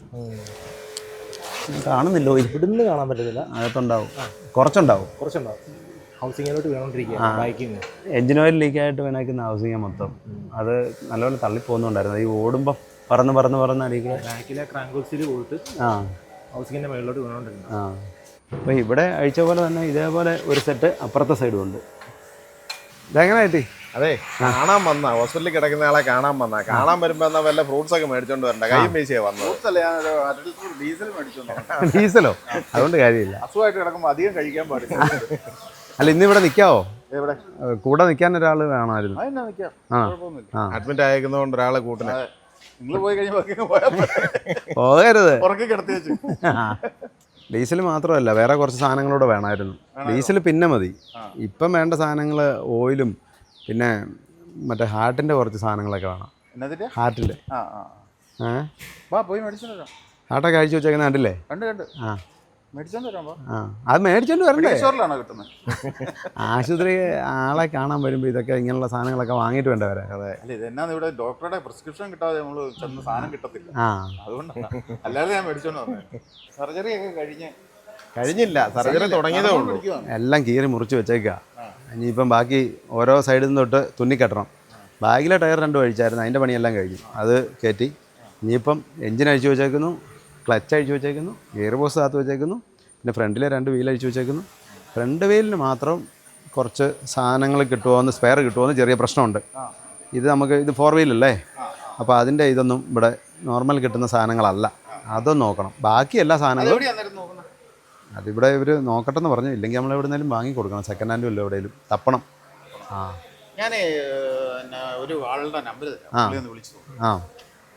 കാണുന്നില്ല ഓയിൽ.
ഇവിടുന്ന് കാണാൻ പറ്റത്തില്ല.
അകത്തുണ്ടാവും, കുറച്ചുണ്ടാവും.
കുറച്ചുണ്ടാവും. ഹൗസിങ്ങിലോട്ട് വേണോണ്ടിരിക്കുക ബൈക്കിങ്.
എഞ്ചിൻ ഓയിൽ ലീക്കായിട്ട് വേണേക്കുന്ന ഹൗസിങ് മൊത്തം അത് നല്ലപോലെ തള്ളിപ്പോകുന്നുണ്ടായിരുന്നു. ഈ ഓടുമ്പോൾ പറന്ന് പറന്ന് പറന്ന് അടിക്കുക.
ബാക്കിലെ ക്രാങ്കോക്സിൽ പോയിട്ട്
ആ
ഹൗസിങ്ങിൻ്റെ മേളിലോട്ട് വീണോണ്ടിരുന്നു.
ആ അപ്പോൾ ഇവിടെ അഴിച്ച പോലെ തന്നെ ഇതേപോലെ ഒരു സെറ്റ് അപ്പുറത്തെ സൈഡും ഉണ്ട്. ഇതെങ്ങനെ കിട്ടി?
അതെ കാണാൻ വന്ന ഹോസ്പിറ്റലിൽ കിടക്കുന്ന ആളെ കാണാൻ വന്ന കാണാൻ വരുമ്പോ എന്നാ വല്ല ഫ്രൂട്ട്സ് ഒക്കെ മേടിച്ചോണ്ട് വരണ്ട. കൈയും പൈസയാ വന്നത്.
ഡീസൽ മേടിച്ചോണ്ടോ?
ഡീസലോ? അതുകൊണ്ട് കാര്യമില്ല.
അസുഖമായിട്ട് കിടക്കുമ്പോ അധികം കഴിക്കാൻ പാടില്ല.
അല്ല ഇന്നിവിടെ നിൽക്കാവോ?
എവിടെ
കൂടെ നിൽക്കാൻ ഒരാൾ വേണമായിരുന്നു.
അതിനാ നിൽക്കാം,
ആ
കുഴപ്പമൊന്നുമില്ല.
അഡ്മിറ്റ് ആയേക്കുന്നതുകൊണ്ട് ഒരാളെ കൂട്ടിനെ
നിങ്ങൾ പോയി കഴിയുമ്പോ
പോകരുത്.
ഉറക്കി കിടത്തി വെച്ചു.
ഡീസൽ മാത്രമല്ല വേറെ കുറച്ച് സാധനങ്ങളൂടെ വേണമായിരുന്നു. ഡീസൽ പിന്നെ മതി. ഇപ്പം വേണ്ട സാധനങ്ങൾ ഓയിലും പിന്നെ മറ്റേ ഹാർട്ടിൻ്റെ കുറച്ച് സാധനങ്ങളൊക്കെ വേണം.
എന്നതിന്റെ
ഹാർട്ടിൻ്റെ
ആ ആ
ഏ
വാ പോയി മേടിച്ചോണ്ട് വരാം.
ഹാർട്ടൊക്കെ അഴിച്ചു വെച്ചേക്കുന്ന കണ്ടില്ലേ?
കണ്ട് കണ്ട്
ആ
മേടിച്ചോണ്ട് വരാം.
ആ അത് മേടിച്ചോണ്ട് വരണ്ടേ?
സ്റ്റോറിലാണോ കിട്ടുന്നത്?
ആശുപത്രി ആളെ കാണാൻ വരുമ്പോൾ ഇതൊക്കെ ഇങ്ങനെയുള്ള സാധനങ്ങളൊക്കെ വാങ്ങിയിട്ട് വേണ്ട വരാൻ.
അതെ
അല്ല ഇതെന്നാന്ന് ഇവിടെ ഡോക്ടറുടെ പ്രിസ്ക്രിപ്ഷൻ കിട്ടാതെ നമ്മള് ചെന്ന് സാധനം കിട്ടത്തില്ല.
ആ
അതുകൊണ്ടാണ്, അല്ലാതെ ഞാൻ മേടിച്ചോണ്ട് വന്നത്. സർജറി ഒക്കെ കഴിഞ്ഞ്
കഴിഞ്ഞില്ല, സർജറി തുടങ്ങിയതേ ഉള്ളൂ.
എല്ലാം കീറി മുറിച്ച് വെച്ചേക്കുക. ഇനിയിപ്പം ബാക്കി ഓരോ സൈഡിൽ നിന്ന് തൊട്ട് തുന്നിക്കെട്ടണം. ബാഗിലെ ടയർ രണ്ടും അഴിച്ചായിരുന്നു, അതിൻ്റെ പണിയെല്ലാം കഴിഞ്ഞു. അത് കയറ്റി ഇനിയിപ്പം എഞ്ചിൻ അഴിച്ചു വെച്ചേക്കുന്നു, ക്ലച്ച് അഴിച്ചു വെച്ചേക്കുന്നു, ഗിയർ ബോക്സ് കാത്ത് വെച്ചേക്കുന്നു, പിന്നെ ഫ്രണ്ടിലെ രണ്ട് വീൽ അഴിച്ചു വെച്ചേക്കുന്നു. ഫ്രണ്ട് വീലിന് മാത്രം കുറച്ച് സാധനങ്ങൾ കിട്ടുമോ എന്ന്, സ്പെയർ കിട്ടുമോ എന്ന് ചെറിയ പ്രശ്നമുണ്ട്. ഇത് നമുക്ക് ഇത് ഫോർ വീലല്ലേ, അപ്പോൾ അതിൻ്റെ ഇതൊന്നും ഇവിടെ നോർമൽ കിട്ടുന്ന സാധനങ്ങളല്ല. അതൊന്നും നോക്കണം. ബാക്കി എല്ലാ സാധനങ്ങളും അതിവിടെ ഇവർ നോക്കട്ടെന്ന് പറഞ്ഞു. ഇല്ലെങ്കിൽ നമ്മൾ എവിടെയെങ്കിലും വാങ്ങി കൊടുക്കണം. സെക്കൻഡ് ഹാൻഡും ഇല്ല, എവിടെയെങ്കിലും തപ്പണം. ആ
ഞാൻ ഒരു ആളുടെ നമ്പർ
ആ
വിളിച്ചു.
ആ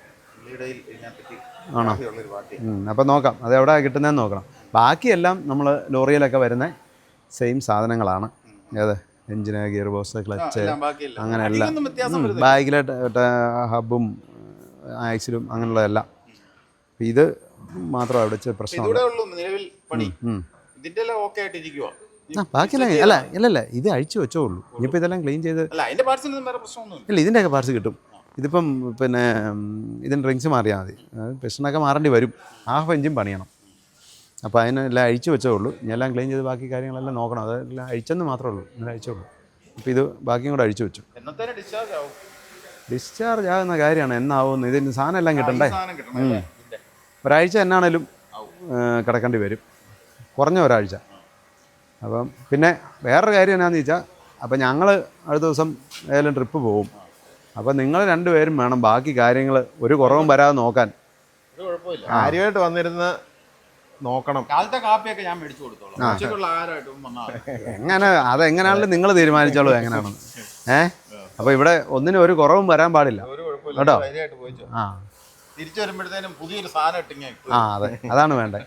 പുള്ളിയുടെ ഇതിനെപ്പറ്റി
ആണോ?
ഉള്ളൊരു പാർട്ടി.
അപ്പം നോക്കാം അത് എവിടെ കിട്ടുന്നതെന്ന് നോക്കണം. ബാക്കിയെല്ലാം നമ്മൾ ലോറിയിലൊക്കെ വരുന്ന സെയിം സാധനങ്ങളാണ്. ഏത് എഞ്ചിന്, ഗിയർ ബോക്സ്, ക്ലച്ച്,
എല്ലാം ബാക്കിയല്ല.
അങ്ങനെ എല്ലാം
അധികമൊന്നും വ്യത്യാസം വരുന്നില്ല.
ബാഗിലെ ഹബും ആക്സിലും അങ്ങനെയുള്ളതെല്ലാം. ഇത് മാത്രം അവിടെ ഇച്ചിരി പ്രശ്നമുണ്ട്.
ഇതൂടെ ഉള്ളൂ നിലവിൽ പണി.
ഉം.
ഇതിന്റെ എല്ലാം ഓക്കെ ആയിട്ടിരിക്കുവോ?
ആ ബാക്കിയെല്ലാം അല്ല ഇല്ലല്ല ഇത് അഴിച്ചു വെച്ചോളൂ. ഇനിയിപ്പോൾ ഇതെല്ലാം ക്ലീൻ ചെയ്ത്
അല്ല അതിന്റെ പാർട്സിനൊന്നും വേറെ പ്രശ്നമൊന്നുമില്ല.
ഇല്ല ഇതിൻ്റെയൊക്കെ പാർട്സ് കിട്ടും. ഇതിപ്പം പിന്നെ ഇതിന് റിങ്സ് മാറിയാൽ മതി. പിസ്റ്റണൊക്കെ മാറേണ്ടി വരും. ഹാഫ് എഞ്ചും പണിയണം. അപ്പോൾ അതിനെല്ലാം അഴിച്ചു വെച്ചേ ഉള്ളൂ. ഇനി എല്ലാം ക്ലീൻ ചെയ്ത് ബാക്കി കാര്യങ്ങളെല്ലാം നോക്കണം. അതെല്ലാം അഴിച്ചെന്ന് മാത്രമേ ഉള്ളൂ. ഇന്നലെ അഴിച്ചുള്ളൂ. അപ്പോൾ ഇത് ബാക്കിയും കൂടെ അഴിച്ചു വെച്ചു.
എന്നത്തേനെ ഡിസ്ചാർജ് ആവും?
ഡിസ്ചാർജ് ആകുന്ന കാര്യമാണ്. എന്നാവുന്നു ഇതിന് സാധനം എല്ലാം കിട്ടണ്ടേ?
സാധനം കിട്ടണം അല്ലേ? ഇതിന്റെ.
ഒരാഴ്ച എന്നാണേലും കിടക്കേണ്ടി വരും, കുറഞ്ഞ ഒരാഴ്ച. അപ്പം പിന്നെ വേറൊരു കാര്യം എന്നാന്ന് ചോദിച്ചാൽ, അപ്പം ഞങ്ങൾ അടുത്ത ദിവസം ഏതെങ്കിലും ട്രിപ്പ് പോകും. അപ്പം നിങ്ങൾ രണ്ടുപേരും വേണം ബാക്കി കാര്യങ്ങൾ ഒരു കുറവും വരാതെ നോക്കാൻ.
ഒരു കുഴപ്പമില്ല.
കാര്യമായിട്ട് വന്നിരുന്ന് നോക്കണം.
കാലത്തെ കാപ്പിയൊക്കെ ഞാൻ മേടിച്ചു കൊടുത്തോളാം. ഉച്ചയ്ക്കുള്ള ആഹാരമായിട്ടും വന്നാൽ
എങ്ങനെ അതെങ്ങനെയാണെങ്കിലും നിങ്ങൾ തീരുമാനിച്ചോളൂ എങ്ങനെയാണെന്ന്. ഏഹ് അപ്പോൾ ഇവിടെ ഒന്നിനും ഒരു കുറവും വരാൻ പാടില്ല
ഒരു കുഴപ്പമില്ല.
കേട്ടോ.
ധൈര്യമായിട്ട് പോയിച്ചോ.
ആ
തിരിച്ചു വരുമ്പോഴത്തേനും പുതിയൊരു സാധനം ഇട്ടിങ്ങ
ആ അതെ അതാണ് വേണ്ടത്.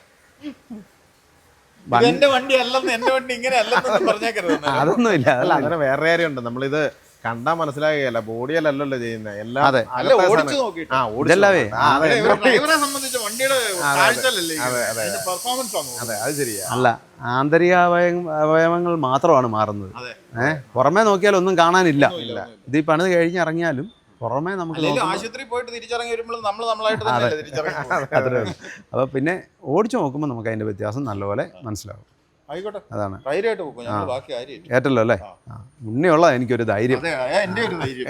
എന്റെ വണ്ടി അല്ലെന്ന്, എന്റെ വണ്ടി ഇങ്ങനെ അല്ലെന്ന് പറഞ്ഞേക്കരുത്.
അതൊന്നും ഇല്ല.
അല്ല അങ്ങനെ വേറെ കാര്യമുണ്ട്. നമ്മളിത് കണ്ടാൽ മനസ്സിലാകുകയല്ല, ബോഡിയല്ലല്ലോ ചെയ്യുന്നത് എല്ലാം.
അതെ.
അല്ല ഓടിച്ചു നോക്കിയിട്ട്.
ആ
ഇതല്ലവേ.
ഡ്രൈവറെ സംബന്ധിച്ച് വണ്ടിയുടെ കാഴ്ചയല്ലേ പെർഫോമൻസ് ആണ്.
അതെ അത് ശരിയാ.
അല്ല ആന്തരിക അവയ അവയവങ്ങൾ മാത്രമാണ് മാറുന്നത്. ഏഹ് പുറമേ നോക്കിയാൽ ഒന്നും കാണാനില്ല. ഇത് ഈ പണിത് കഴിഞ്ഞ് ഇറങ്ങിയാലും പുറമേ നമുക്ക്
ആശുപത്രി പോയിട്ട് തിരിച്ചിറങ്ങി വരുമ്പോൾ നമ്മൾ നമ്മളായിട്ട് തന്നെ തിരിച്ചിറങ്ങി.
അത്രേ ഉള്ളൂ. അപ്പോൾ പിന്നെ ഓടിച്ചു നോക്കുമ്പോൾ നമുക്ക് അതിൻ്റെ വ്യത്യാസം നല്ലപോലെ മനസ്സിലാവും.
ആയിക്കോട്ടെ,
അതാണ്
ധൈര്യമായിട്ട് പോകും. ഞങ്ങൾ ബാക്കി കാര്യം
ഏറ്റല്ലോ അല്ലേ? ആ മുന്നേയുള്ള എനിക്കൊരു ധൈര്യം.
അതെ, എന്റെ ഒരു ധൈര്യം.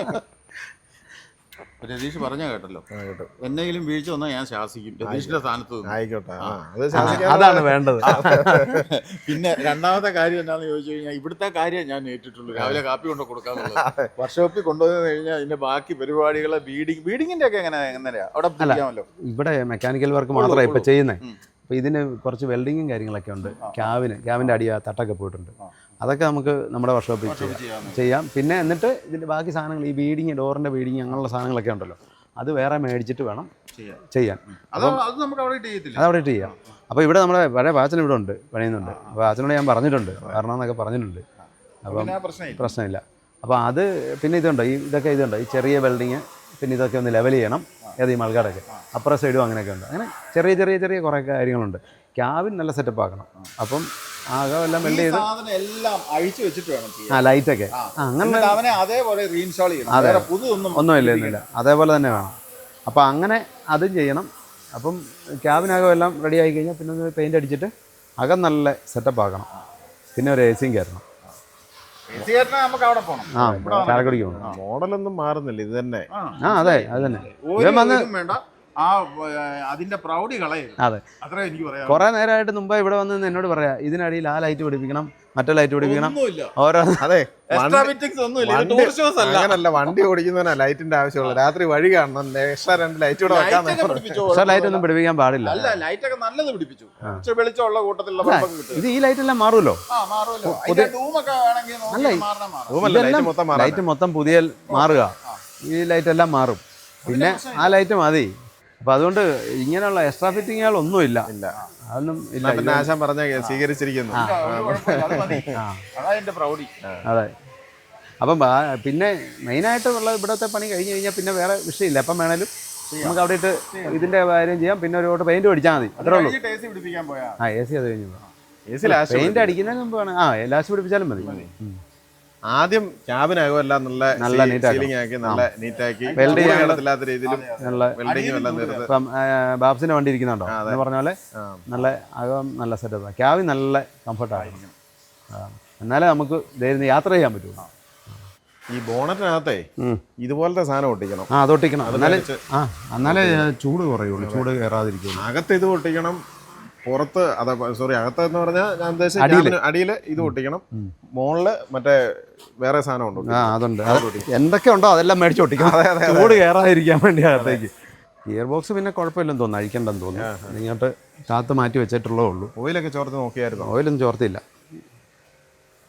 രതീഷ് പറഞ്ഞ കേട്ടല്ലോ, എന്നെങ്കിലും വീഴ്ച വന്നാൽ ഞാൻ ശാസിക്കും. രതീഷിന്റെ സ്ഥാനത്ത് നിന്ന്.
ആയിക്കോട്ടെ. ആ, അത്
ആ,
ശാസിക്കാൻ
അതാണ് വേണ്ടത്.
പിന്നെ രണ്ടാമത്തെ കാര്യം എന്താണെന്ന് ചോദിച്ചു കഴിഞ്ഞാൽ, ഇവിടുത്തെ കാര്യം ഞാൻ ഏറ്റിട്ടുള്ളൂ. രാവിലെ കാപ്പി കൊണ്ട് കൊടുക്കാന്നുള്ളത്. വർക്ക്ഷോപ്പിൽ കൊണ്ടുവന്നു കഴിഞ്ഞാൽ ഇതിന്റെ ബാക്കി പരിപാടികളെ ബീഡിങ് ബീഡിങ്ങിന്റെ ഒക്കെ എങ്ങനെ എങ്ങനെയാ അവിടെ പിടിക്കാമല്ലോ?
ഇവിടെ മെക്കാനിക്കൽ വർക്ക് മാത്രമേ ഇപ്പം ചെയ്യുന്നത്. അപ്പോൾ ഇതിന് കുറച്ച് വെൽഡിങ്ങും കാര്യങ്ങളൊക്കെ ഉണ്ട്. ക്യാബിന് ക്യാബിൻ്റെ അടി തട്ടൊക്കെ പോയിട്ടുണ്ട്. അതൊക്കെ നമുക്ക് നമ്മുടെ വർക്ക്ഷോപ്പിൽ ചെയ്യാം ചെയ്യാം പിന്നെ എന്നിട്ട് ഇതിൻ്റെ ബാക്കി സാധനങ്ങൾ, ഈ ബീഡിങ്, ഡോറിൻ്റെ ബീഡിങ്, അങ്ങനെയുള്ള സാധനങ്ങളൊക്കെ ഉണ്ടല്ലോ, അത് വേറെ മേടിച്ചിട്ട് വേണം ചെയ്യാൻ. അപ്പം
അത് നമുക്ക് അവിടെ ചെയ്യത്തില്ല,
അത് അവിടെ ഇട്ട് ചെയ്യാം. അപ്പോൾ ഇവിടെ നമ്മുടെ പഴയ വാച്ചൻ ഇവിടെ ഉണ്ട്, പണിയുന്നുണ്ട്. അപ്പോൾ വാച്ചനോട് ഞാൻ പറഞ്ഞിട്ടുണ്ട്, വരണം എന്നൊക്കെ പറഞ്ഞിട്ടുണ്ട്. അപ്പം പ്രശ്നമില്ല. അപ്പോൾ അത് പിന്നെ ഇതുണ്ട്, ഈ ഇതൊക്കെ ഇതുണ്ട്, ഈ ചെറിയ വെൽഡിങ്, പിന്നെ ഇതൊക്കെ ഒന്ന് ലെവൽ ചെയ്യണം. ഏത് ഈ മൾക്കാടൊക്കെ അപ്പുറ സൈഡും അങ്ങനെയൊക്കെ ഉണ്ട്. അങ്ങനെ ചെറിയ ചെറിയ ചെറിയ കുറേ കാര്യങ്ങളുണ്ട്. ക്യാബിൻ നല്ല സെറ്റപ്പ് ആക്കണം. അപ്പം ആകം എല്ലാം വെൽഡ് ചെയ്ത്
എല്ലാം അഴിച്ചു വെച്ചിട്ട് വേണം ചെയ്യാൻ.
ആ ലൈറ്റൊക്കെ അങ്ങനെ
അവനെ അതേപോലെ റീഇൻസ്റ്റാൾ ചെയ്യണം.
അതെ,
പുതുതൊന്നും
ഒന്നുമില്ല ഒന്നുമില്ല അതേപോലെ തന്നെ വേണം. അപ്പോൾ അങ്ങനെ അതും ചെയ്യണം. അപ്പം ക്യാബിനകം എല്ലാം റെഡി ആയി കഴിഞ്ഞാൽ പിന്നെ ഒന്ന് പെയിൻ്റ് അടിച്ചിട്ട് അകം നല്ല സെറ്റപ്പ് ആക്കണം. പിന്നെ ഒരു എ സിയും കയറണം.
നമുക്ക് അവിടെ പോകണം.
ആ ചാലക്കുടിക്ക് പോകണം.
മോഡലൊന്നും മാറുന്നില്ല, ഇത് തന്നെ.
ആ അതെ അത് തന്നെ. ഇവൻ വന്ന്
വേണ്ട, ആ അതിന്റെ പ്രൗഢി കളയരുത്.
അതെ,
അത്രേ എനിക്ക് പറയാം.
കുറെ നേരമായിട്ട് മുമ്പ് ഇവിടെ വന്ന് എന്നോട് പറയാ, ഇതിനടിയിൽ ആ ലൈറ്റ് പിടിപ്പിക്കണം, മറ്റേ ലൈറ്റ് പിടിപ്പിക്കണം, ഓരോ
അതെ
അങ്ങനല്ല,
വണ്ടി ഓടിക്കുന്നതിനാ ലൈറ്റിന്റെ ആവശ്യമുള്ളൂ. രാത്രി വഴി കാണണം, എക്സ്ട്രാ രണ്ട് ലൈറ്റ് കൂടെ വെക്കാൻ.
പക്ഷേ ലൈറ്റ് ഒന്നും പിടിപ്പിക്കാൻ പാടില്ല.
അല്ല, ലൈറ്റ് ഒക്കെ നല്ലത് പിടിപ്പിച്ചു. വെളിച്ചമുള്ള കൂട്ടത്തിലുള്ള ബൾബൊക്കെ കിട്ടും.
ഇത് ഈ ലൈറ്റ് എല്ലാം മാറുമല്ലോ.
ആ മാറുമല്ലോ. അതിന്റെ ഡൂമൊക്കെ വേണമെങ്കിൽ
അല്ല,
നോക്കി മാറണം, മാറാം.
ഇതെല്ലാം ലൈറ്റ് മൊത്തം പുതിയ മാറുക. ഈ ലൈറ്റ് എല്ലാം മാറും. പിന്നെ ആ ലൈറ്റ് മതി. അപ്പൊ അതുകൊണ്ട് ഇങ്ങനെയുള്ള എക്സ്ട്രാ ഫിറ്റിങ്ങുകൾ ഒന്നുമില്ല. അതൊന്നും ഇല്ല.
പിന്നെ ആശാൻ പറഞ്ഞ സ്വീകരിച്ചിരിക്കുന്നു.
അതതിന്റെ പ്രൗഢി.
അതെ. അപ്പം പിന്നെ മെയിനായിട്ട് ഉള്ള ഇവിടുത്തെ പണി കഴിഞ്ഞ് കഴിഞ്ഞാൽ പിന്നെ വേറെ വിഷയമില്ല. എപ്പം വേണേലും നമുക്ക് അവിടെ ഇട്ട് ഇതിന്റെ കാര്യം ചെയ്യാം. പിന്നെ ഒരു ഓട്ട് പെയിന്റ് അടിച്ചാൽ മതി, അത്രേ ഉള്ളൂ. ആ എ സി അത് കഴിഞ്ഞു പെയിന്റ് അടിക്കുന്നതിന് മുമ്പ് വേണം. ആ ലാസ്റ്റ് പിടിപ്പിച്ചാലും മതി.
ആദ്യം ക്യാബിനകം എല്ലാം നല്ല
നല്ല
സീലിംഗ് ആക്കി, നല്ല നീറ്റാക്കി,
വെൽഡ്
ചെയ്യാത്ത രീതിയിലും
നല്ല
വെൽഡിങ്ങും എല്ലാം തീർത്ത്.
ഇപ്പം ബാബ്സിന്റെ വണ്ടി ഇരിക്കുന്നുണ്ടോ എന്ന് പറഞ്ഞ പോലെ നല്ല അകം നല്ല സെറ്റപ്പ്, ക്യാബിൻ നല്ല കംഫർട്ടായിരിക്കും. എന്നാലേ നമുക്ക് ധൈര്യം യാത്ര ചെയ്യാൻ പറ്റുള്ളൂ.
ഈ ബോണറ്റിനകത്തെ ഇതുപോലത്തെ സാധനം ഒട്ടിക്കണം.
ആ അതൊട്ടിക്കണം. എന്നാലേ ആ എന്നാലേ ചൂട് കുറയുള്ളൂ, ചൂട് കയറാതിരിക്കുള്ളൂ.
അകത്ത് ഇത് ഒട്ടിക്കണം, പുറത്ത് അതാ സോറി അകത്ത് എന്ന് പറഞ്ഞാൽ ഞാൻ ഉദ്ദേശിച്ച അടിയിൽ ഇത് ഒട്ടിക്കണം, മുകളില് മറ്റേ വേറെ സാധനം ഉണ്ട്.
ആ അതുണ്ട്, എന്തൊക്കെ ഉണ്ടോ അതെല്ലാം മേടിച്ച് ഒട്ടിക്കണം, ചൂട് കയറാതിരിക്കാൻ വേണ്ടി അകത്തേക്ക്. ഗിയർ ബോക്സ് പിന്നെ കുഴപ്പമില്ലെന്ന് തോന്നുന്നു, അഴിക്കണ്ടെന്ന് തോന്നുന്നു. ഇങ്ങോട്ട് കാത്ത് മാറ്റി വെച്ചിട്ടുള്ളേ ഉള്ളൂ.
ഓയിലൊക്കെ ചോർത്ത് നോക്കിയായിരുന്നു?
ഓയിലൊന്നും ചോർത്തില്ല.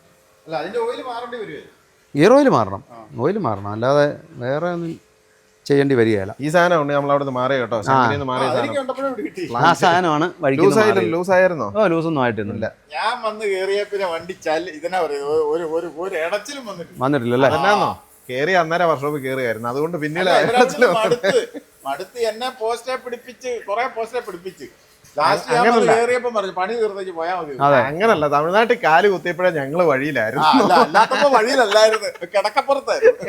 അതിന്റെ ഓയിൽ മാറേണ്ടി വരുമോ?
ഗിയർ ഓയിൽ മാറണം, ഓയിൽ മാറണം, അല്ലാതെ വേറെ ഒന്നും ചെയ്യേണ്ടി വരികയില്ല.
ഈ സാധനം ഉണ്ട് നമ്മൾ അവിടെ നിന്ന് മാറി കേട്ടോ, ശങ്കരിയിൽ നിന്ന് മാറിയ
അതെനിക്ക്
സാധനം.
കണ്ടപ്പോഴേ ഇവിടെ കിട്ടി.
ആ സാധനമാണ് വഴിക്ക്
ലൂസ് ആയില്ല, ലൂസ് ആയിരുന്നോ?
ഓ ലൂസൊന്നും ആയിട്ടൊന്നുമില്ല.
ഞാൻ വന്ന് കേറിയ പിന്നെ വണ്ടി ചല് ഇതിനാ പറയുന്നത് ഒരു ഒരു ഒരു ഇടച്ചിലും വന്നിട്ടില്ല.
വന്നിട്ടില്ലല്ലേ?
അതെന്നാന്നോ കേറി അന്നേരം വർക്ക്ഷോപ്പിൽ കേറിയായിരുന്നു, അതുകൊണ്ട് പിന്നീട്
അല്ല, ഇവരവിടുന്ന് മടുത്ത് മടുത്ത് എന്നെ പോസ്റ്റേ പിടിപ്പിച്ച് കുറെ പോസ്റ്റേ പിടിപ്പിച്ച് ലാസ്റ്റ് ഞാൻ വന്ന് കേറിയപ്പോ പറഞ്ഞു പണി തീർത്തേക്ക് പോയാൽ മതി.
അങ്ങനല്ല, തമിഴ്നാട്ടിൽ കാല് കുത്തിയപ്പോഴേ ഞങ്ങള് വഴിയിലായിരുന്നു.
ആ, അല്ല അല്ലാത്തപ്പോ വഴിയിലല്ലായിരുന്നു, കിടക്കപ്പുറത്തായിരുന്നു.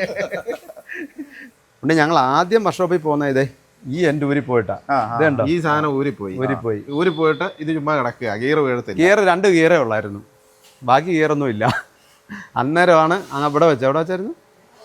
ഉണ്ട് ഞങ്ങൾ ആദ്യം വർക്ക്ഷോപ്പിൽ പോകുന്ന ഇതേ ഈ എൻ്റെ ഊരി പോയിട്ടാ. ഇതുണ്ടോ
ഈ സാധനം ഊരിപ്പോയി
ഊരിപ്പോയി
ഊരി പോയിട്ട് ഇത് ചുമ്മാ കിടക്കുക, ഗിയർ വീഴത്തില്ല.
ഗിയർ രണ്ട് ഗിയറേ ഉള്ളായിരുന്നു, ബാക്കി ഗിയറൊന്നും ഇല്ല. അന്നേരമാണ് അങ്ങ് ഇവിടെ വെച്ച് എവിടെ വെച്ചായിരുന്നു?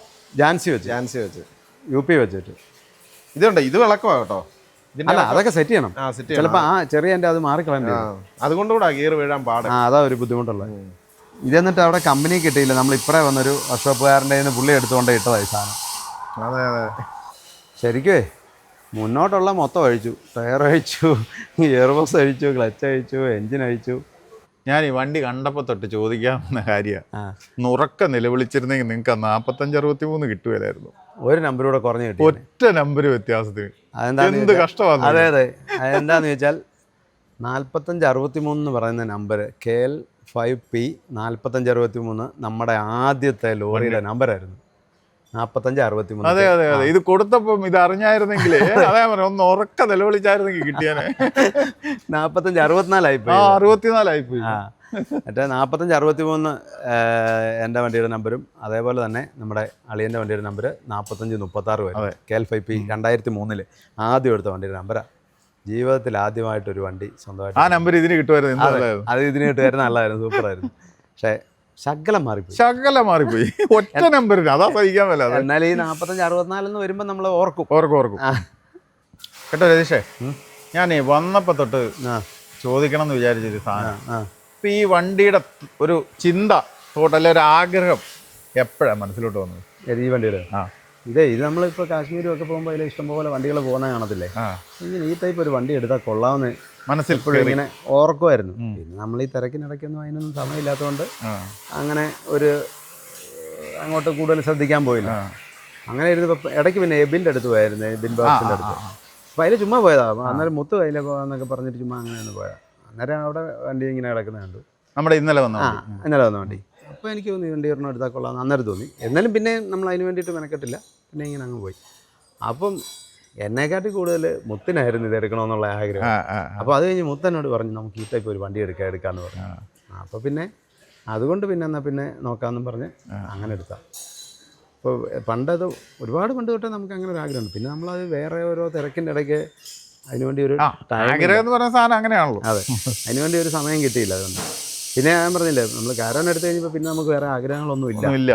ജാൻസി വെച്ച്
ചാൻസ് വെച്ച്
യു പി വെച്ചിട്ട്.
ഇതുണ്ട്, ഇത് വിളക്കുവാ കേട്ടോ. ഇതിന്റെ
അല്ല അതൊക്കെ സെറ്റ് ചെയ്യണം.
ആ, സെറ്റ്
ചിലപ്പോൾ ആ ചെറിയ എൻ്റെ അത് മാറിക്കളയേണ്ടി
ആ,
വരും.
അതുകൊണ്ടുകൂടാ ഗിയർ വീഴാൻ പാട്.
ആ അതാ ഒരു ബുദ്ധിമുട്ടുള്ളത്. ഇതെന്നിട്ട് അവിടെ കമ്പനി കിട്ടിയില്ല, നമ്മൾ ഇപ്പറേ വന്നൊരു വർക്ക്ഷോപ്പുകാരൻ്റെ കയ്യിൽ നിന്ന് പുള്ളി എടുത്തുകൊണ്ട് ഇട്ടതായി സാധനം.
അതെ അതെ,
ശരിക്കുവേ മുന്നോട്ടുള്ള മൊത്തം അഴിച്ചു, ടയർ അഴിച്ചു, ഗിയർ ബോക്സ് അഴിച്ചു, ക്ലച്ച് അഴിച്ചു, എൻജിൻ അഴിച്ചു.
ഞാൻ ഈ വണ്ടി കണ്ടപ്പോ തൊട്ട് ചോദിക്കാവുന്ന കാര്യമാണ്,
ആ
നുറക്ക നിലവിളിച്ചിരുന്നെങ്കിൽ നിങ്ങൾക്ക് നാപ്പത്തഞ്ച് അറുപത്തി മൂന്ന് കിട്ടുകയില്ലായിരുന്നു.
ഒരു നമ്പർ കൂടെ കുറഞ്ഞ് കിട്ടി.
ഒറ്റ നമ്പർ വ്യത്യാസത്തിന്
അതെന്താന്ന്
എന്ത്
ചോദിച്ചാൽ-
കഷ്ടമാണ്.
അതെ അതെ അതെന്താന്ന് ചോദിച്ചാൽ നാൽപ്പത്തഞ്ച് അറുപത്തി മൂന്ന് എന്ന് പറയുന്ന number K L five P നാൽപ്പത്തഞ്ച് അറുപത്തി മൂന്ന് നമ്മുടെ ആദ്യത്തെ ലോറിയുടെ നമ്പറായിരുന്നു. നാൽപ്പത്തഞ്ച് അറുപത്തി മൂന്ന്.
അതെ അതെ അതെ, ഇത് കൊടുത്തപ്പം ഇത് അറിഞ്ഞായിരുന്നെങ്കിലേ അതേ പറയാം, ഒന്ന് ഉറക്ക നിലവിളിച്ചായിരുന്നെങ്കിൽ കിട്ടിയാനെ.
നാൽപ്പത്തഞ്ച് അറുപത്തിനാലായി
ആ
പോയി.
അറുപത്തിനാലായി പോയി.
ആ മറ്റേ നാൽപ്പത്തഞ്ച് അറുപത്തി മൂന്ന് എൻ്റെ വണ്ടിയുടെ നമ്പരും അതേപോലെ തന്നെ നമ്മുടെ അളിയൻ്റെ വണ്ടിയുടെ നമ്പർ നാൽപ്പത്തഞ്ച് മുപ്പത്താറ് വരും. കെ എൽ ഫൈവ് പി രണ്ടായിരത്തി മൂന്നില് ആദ്യം എടുത്ത വണ്ടിയുടെ നമ്പറാണ്. ജീവിതത്തിൽ ആദ്യമായിട്ടൊരു വണ്ടി സ്വന്തമായിട്ട്
ആ നമ്പർ ഇതിന് കിട്ടുമായിരുന്നു. എന്തായാലും
അത് ഇതിന് കിട്ടുമായിരുന്നു, നല്ലതായിരുന്നു, സൂപ്പറായിരുന്നു. പക്ഷേ ശകലം മാറിപ്പോയി,
ശകല മാറിപ്പോയി. ഒറ്റ നമ്പറിന് അതാ സഹിക്കാൻ മേല.
എന്നാൽ ഈ നാൽപ്പത്തഞ്ച് അറുപത്തിനാലെന്ന് വരുമ്പോൾ നമ്മൾ ഓർക്കും
ഓർക്കും ഓർക്കും കേട്ടോ രതീഷേ. ഞാനേ വന്നപ്പോ തൊട്ട്
ആ
ചോദിക്കണം എന്ന് വിചാരിച്ചൊരു സാധനം,
ആ
ഇപ്പൊ ഈ വണ്ടിയുടെ ഒരു ചിന്ത തോട്ട് അല്ലെ ഒരു ആഗ്രഹം എപ്പോഴാണ് മനസ്സിലോട്ട് വന്നത്?
ഏത് ഈ വണ്ടിയുടെ?
ആ
ഇതേ ഇത് നമ്മളിപ്പോൾ കാശ്മീരും ഒക്കെ പോകുമ്പോൾ അതിൽ ഇഷ്ടംപോലെ വണ്ടികൾ പോകുന്ന കാണത്തില്ലേ,
ആ
ഇങ്ങനെ ഈ ടൈപ്പ് ഒരു വണ്ടി എടുത്താൽ കൊള്ളാമെന്ന്
മനസ്സിൽ
എപ്പോഴും ഇങ്ങനെ ഓർക്കുമായിരുന്നു. പിന്നെ നമ്മൾ ഈ തിരക്കിനിടയ്ക്കൊന്നും അതിനൊന്നും സമയമില്ലാത്തതുകൊണ്ട് അങ്ങനെ ഒരു അങ്ങോട്ട് കൂടുതൽ ശ്രദ്ധിക്കാൻ പോയില്ല. അങ്ങനെ ഇരുന്നപ്പോൾ ഇടയ്ക്ക് പിന്നെ എബിൻ്റെ അടുത്ത് പോയായിരുന്നു, എബിൻ ബാസിൻ്റെ അടുത്ത്. അപ്പോൾ അതിൽ ചുമ്മാ പോയതാ. അന്നേരം മുത്ത് കയ്യിലെ പോകാന്നൊക്കെ പറഞ്ഞിട്ട് ചുമ്മാ അങ്ങനെയാണ് പോയത്. അന്നേരം അവിടെ വണ്ടി ഇങ്ങനെ കിടക്കുന്നത് കണ്ടു.
നമ്മുടെ ഇന്നലെ വന്ന
ആ ഇന്നലെ വന്ന വണ്ടി. അപ്പോൾ എനിക്ക് തോന്നി വണ്ടി ഒരെണ്ണം എടുത്താൽ കൊള്ളാമെന്ന് അന്നേരം തോന്നി. എന്നാലും പിന്നെ നമ്മൾ അതിന് വേണ്ടിയിട്ട് മെനക്കെട്ടില്ല, പിന്നെ ഇങ്ങനെ അങ്ങ് പോയി. അപ്പം എന്നെക്കാട്ടി കൂടുതൽ മുത്തിനായിരുന്നു ഇത് എടുക്കണമെന്നുള്ള ആഗ്രഹം. അപ്പോൾ അത് കഴിഞ്ഞ് മുത്തനോട് പറഞ്ഞു നമുക്ക് ഈ ടൈപ്പ് ഒരു വണ്ടി എടുക്കാം എടുക്കാമെന്ന് പറഞ്ഞു. അപ്പോൾ പിന്നെ അതുകൊണ്ട് പിന്നെ എന്നാൽ പിന്നെ നോക്കാമെന്നും പറഞ്ഞ് അങ്ങനെ എടുത്താൽ. അപ്പോൾ പണ്ടത് ഒരുപാട് പണ്ട് തൊട്ടേ നമുക്ക് അങ്ങനെ ഒരു ആഗ്രഹമുണ്ട്. പിന്നെ നമ്മളത് വേറെ ഓരോ തിരക്കിൻ്റെ ഇടയ്ക്ക് അതിനുവേണ്ടി ഒരു
ആഗ്രഹം എന്ന് പറയുന്ന സാധനം അങ്ങനെയാണല്ലോ.
അതെ, അതിനുവേണ്ടി ഒരു സമയം കിട്ടിയില്ല. അതുകൊണ്ട് പിന്നെ ഞാൻ പറഞ്ഞില്ലേ, നമ്മൾ കാരവൻ എടുത്തു കഴിഞ്ഞപ്പോൾ പിന്നെ നമുക്ക് വേറെ ആഗ്രഹങ്ങളൊന്നും ഇല്ല
ഇല്ല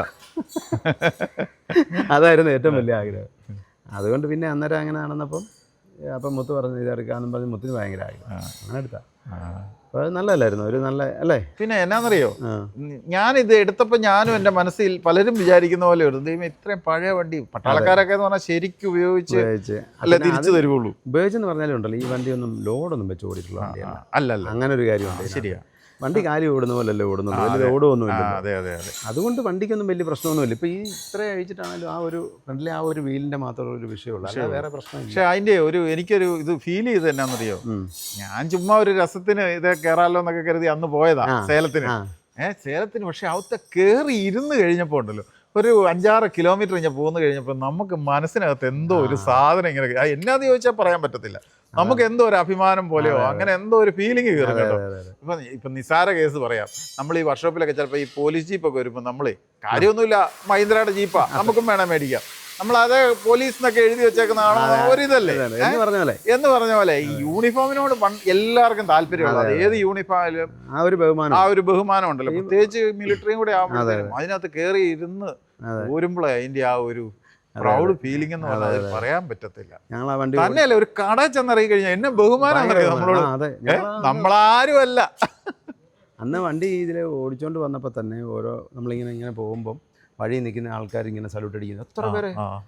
അതായിരുന്നു ഏറ്റവും വലിയ ആഗ്രഹം. അതുകൊണ്ട് പിന്നെ അന്നേരം അങ്ങനെ നടന്നപ്പം അപ്പം മുത്ത് പറഞ്ഞു ഇതെടുക്കാമെന്നും പറഞ്ഞ് മുത്തിന് ഭയങ്കര ആഗ്രഹം, അങ്ങനെ എടുത്താ. അപ്പോൾ അത് നല്ലതല്ലായിരുന്നു, ഒരു നല്ല അല്ലേ.
പിന്നെ എന്നാന്നറിയോ, ഞാനിത് എടുത്തപ്പോൾ ഞാനും എൻ്റെ മനസ്സിൽ പലരും വിചാരിക്കുന്ന പോലെ ഒരു ദൈവം ഇത്രയും പഴയ വണ്ടി പട്ടാളക്കാരൊക്കെ എന്ന് പറഞ്ഞാൽ ശരിക്കും ഉപയോഗിച്ച്
ഉപയോഗിച്ച്
അല്ല തിരിച്ചു തരുവുള്ളൂ.
ഉപയോഗിച്ചെന്ന് പറഞ്ഞാലും ഉണ്ടല്ലോ, ഈ വണ്ടിയൊന്നും ലോഡൊന്നും വെച്ച് ഓടിയിട്ടുള്ള വണ്ടിയല്ല.
അല്ലല്ല,
അങ്ങനെ ഒരു കാര്യമുണ്ട്.
ശരിയാ,
വണ്ടി കാലി ഓടുന്ന പോലല്ലേ ഓടുന്നുള്ളൂ, വലിയ ലോഡൊന്നുമില്ല.
അതെ അതെ അതെ.
അതുകൊണ്ട് വണ്ടിക്കൊന്നും വലിയ പ്രശ്നമൊന്നുമില്ല. ഇപ്പോൾ ഈ ഇത്ര അഴിച്ചിട്ടാണെങ്കിലും ആ ഒരു ഫ്രണ്ടിലെ ആ ഒരു വീലിൻ്റെ മാത്രം ഒരു വിഷയമുള്ളൂ, അല്ല വേറെ പ്രശ്നമില്ല.
പക്ഷെ അതിൻ്റെ ഒരു എനിക്കൊരു ഇത് ഫീൽ ചെയ്ത് എന്നാന്നറിയോ, ഞാൻ ചുമ്മാ ഒരു രസത്തിന് ഇത് കയറാമല്ലോ എന്നൊക്കെ കരുതി അന്ന് പോയതാ സേലത്തിന്. ഏഹ് സേലത്തിന് പക്ഷെ അവിടുത്തെ കയറി ഇരുന്ന് കഴിഞ്ഞപ്പോൾ ഉണ്ടല്ലോ, ഒരു അഞ്ചാറ് കിലോമീറ്റർ കഴിഞ്ഞാൽ പോന്നു കഴിഞ്ഞപ്പോൾ നമുക്ക് മനസ്സിനകത്ത് എന്തോ ഒരു സാധനം ഇങ്ങനെ, എന്നാന്ന് ചോദിച്ചാൽ പറയാൻ പറ്റത്തില്ല, നമുക്ക് എന്തോ ഒരു അഭിമാനം പോലെയോ അങ്ങനെ എന്തോ ഒരു ഫീലിംഗ് കയറും കേട്ടോ. ഇപ്പം ഇപ്പം നിസാര കേസ് പറയാം, നമ്മൾ ഈ വർക്ക്ഷോപ്പിലൊക്കെ ചിലപ്പോൾ ഈ പോലീസ് ജീപ്പൊക്കെ വരുമ്പോൾ നമ്മൾ കാര്യമൊന്നുമില്ല മഹീന്ദ്രയുടെ ജീപ്പാ നമുക്കും വേണം മേടിക്കാം, നമ്മൾ അത് പോലീസ് എന്നൊക്കെ എഴുതി വെച്ചേക്കുന്നതാണോ ഒരിതല്ലേ
എന്ന് പറഞ്ഞ പോലെ
എന്ന് പറഞ്ഞ പോലെ ഈ യൂണിഫോമിനോട് എല്ലാവർക്കും താല്പര്യമുള്ളത്, ഏത് യൂണിഫോമിലും
ആ ഒരു ബഹുമാനം
ആ ഒരു ബഹുമാനം ഉണ്ടല്ലോ, പ്രത്യേകിച്ച് മിലിറ്ററിയും കൂടെ ആകുമ്പോഴത്തേക്കും അതിനകത്ത് കയറി ഇരുന്ന് പോരുമ്പോഴേ അതിന്റെ ആ ഒരു പ്രൗഡ് ഫീലിംഗ് എന്ന് പറഞ്ഞാൽ പറയാൻ പറ്റത്തില്ല.
ഞങ്ങൾ ആ വണ്ടി
തന്നെയല്ലേ ഒരു കട ചെന്നിറങ്ങി കഴിഞ്ഞാൽ എന്നെ ബഹുമാനം നമ്മളോട്, നമ്മളാരും അല്ല.
അന്ന് വണ്ടി ഇതിൽ ഓടിച്ചോണ്ട് വന്നപ്പോൾ തന്നെ ഓരോ നമ്മളിങ്ങനെ ഇങ്ങനെ പോകുമ്പം വഴി നിൽക്കുന്ന ആൾക്കാർ ഇങ്ങനെ സല്യൂട്ട് അടിക്കുന്നു, എത്ര പേരെ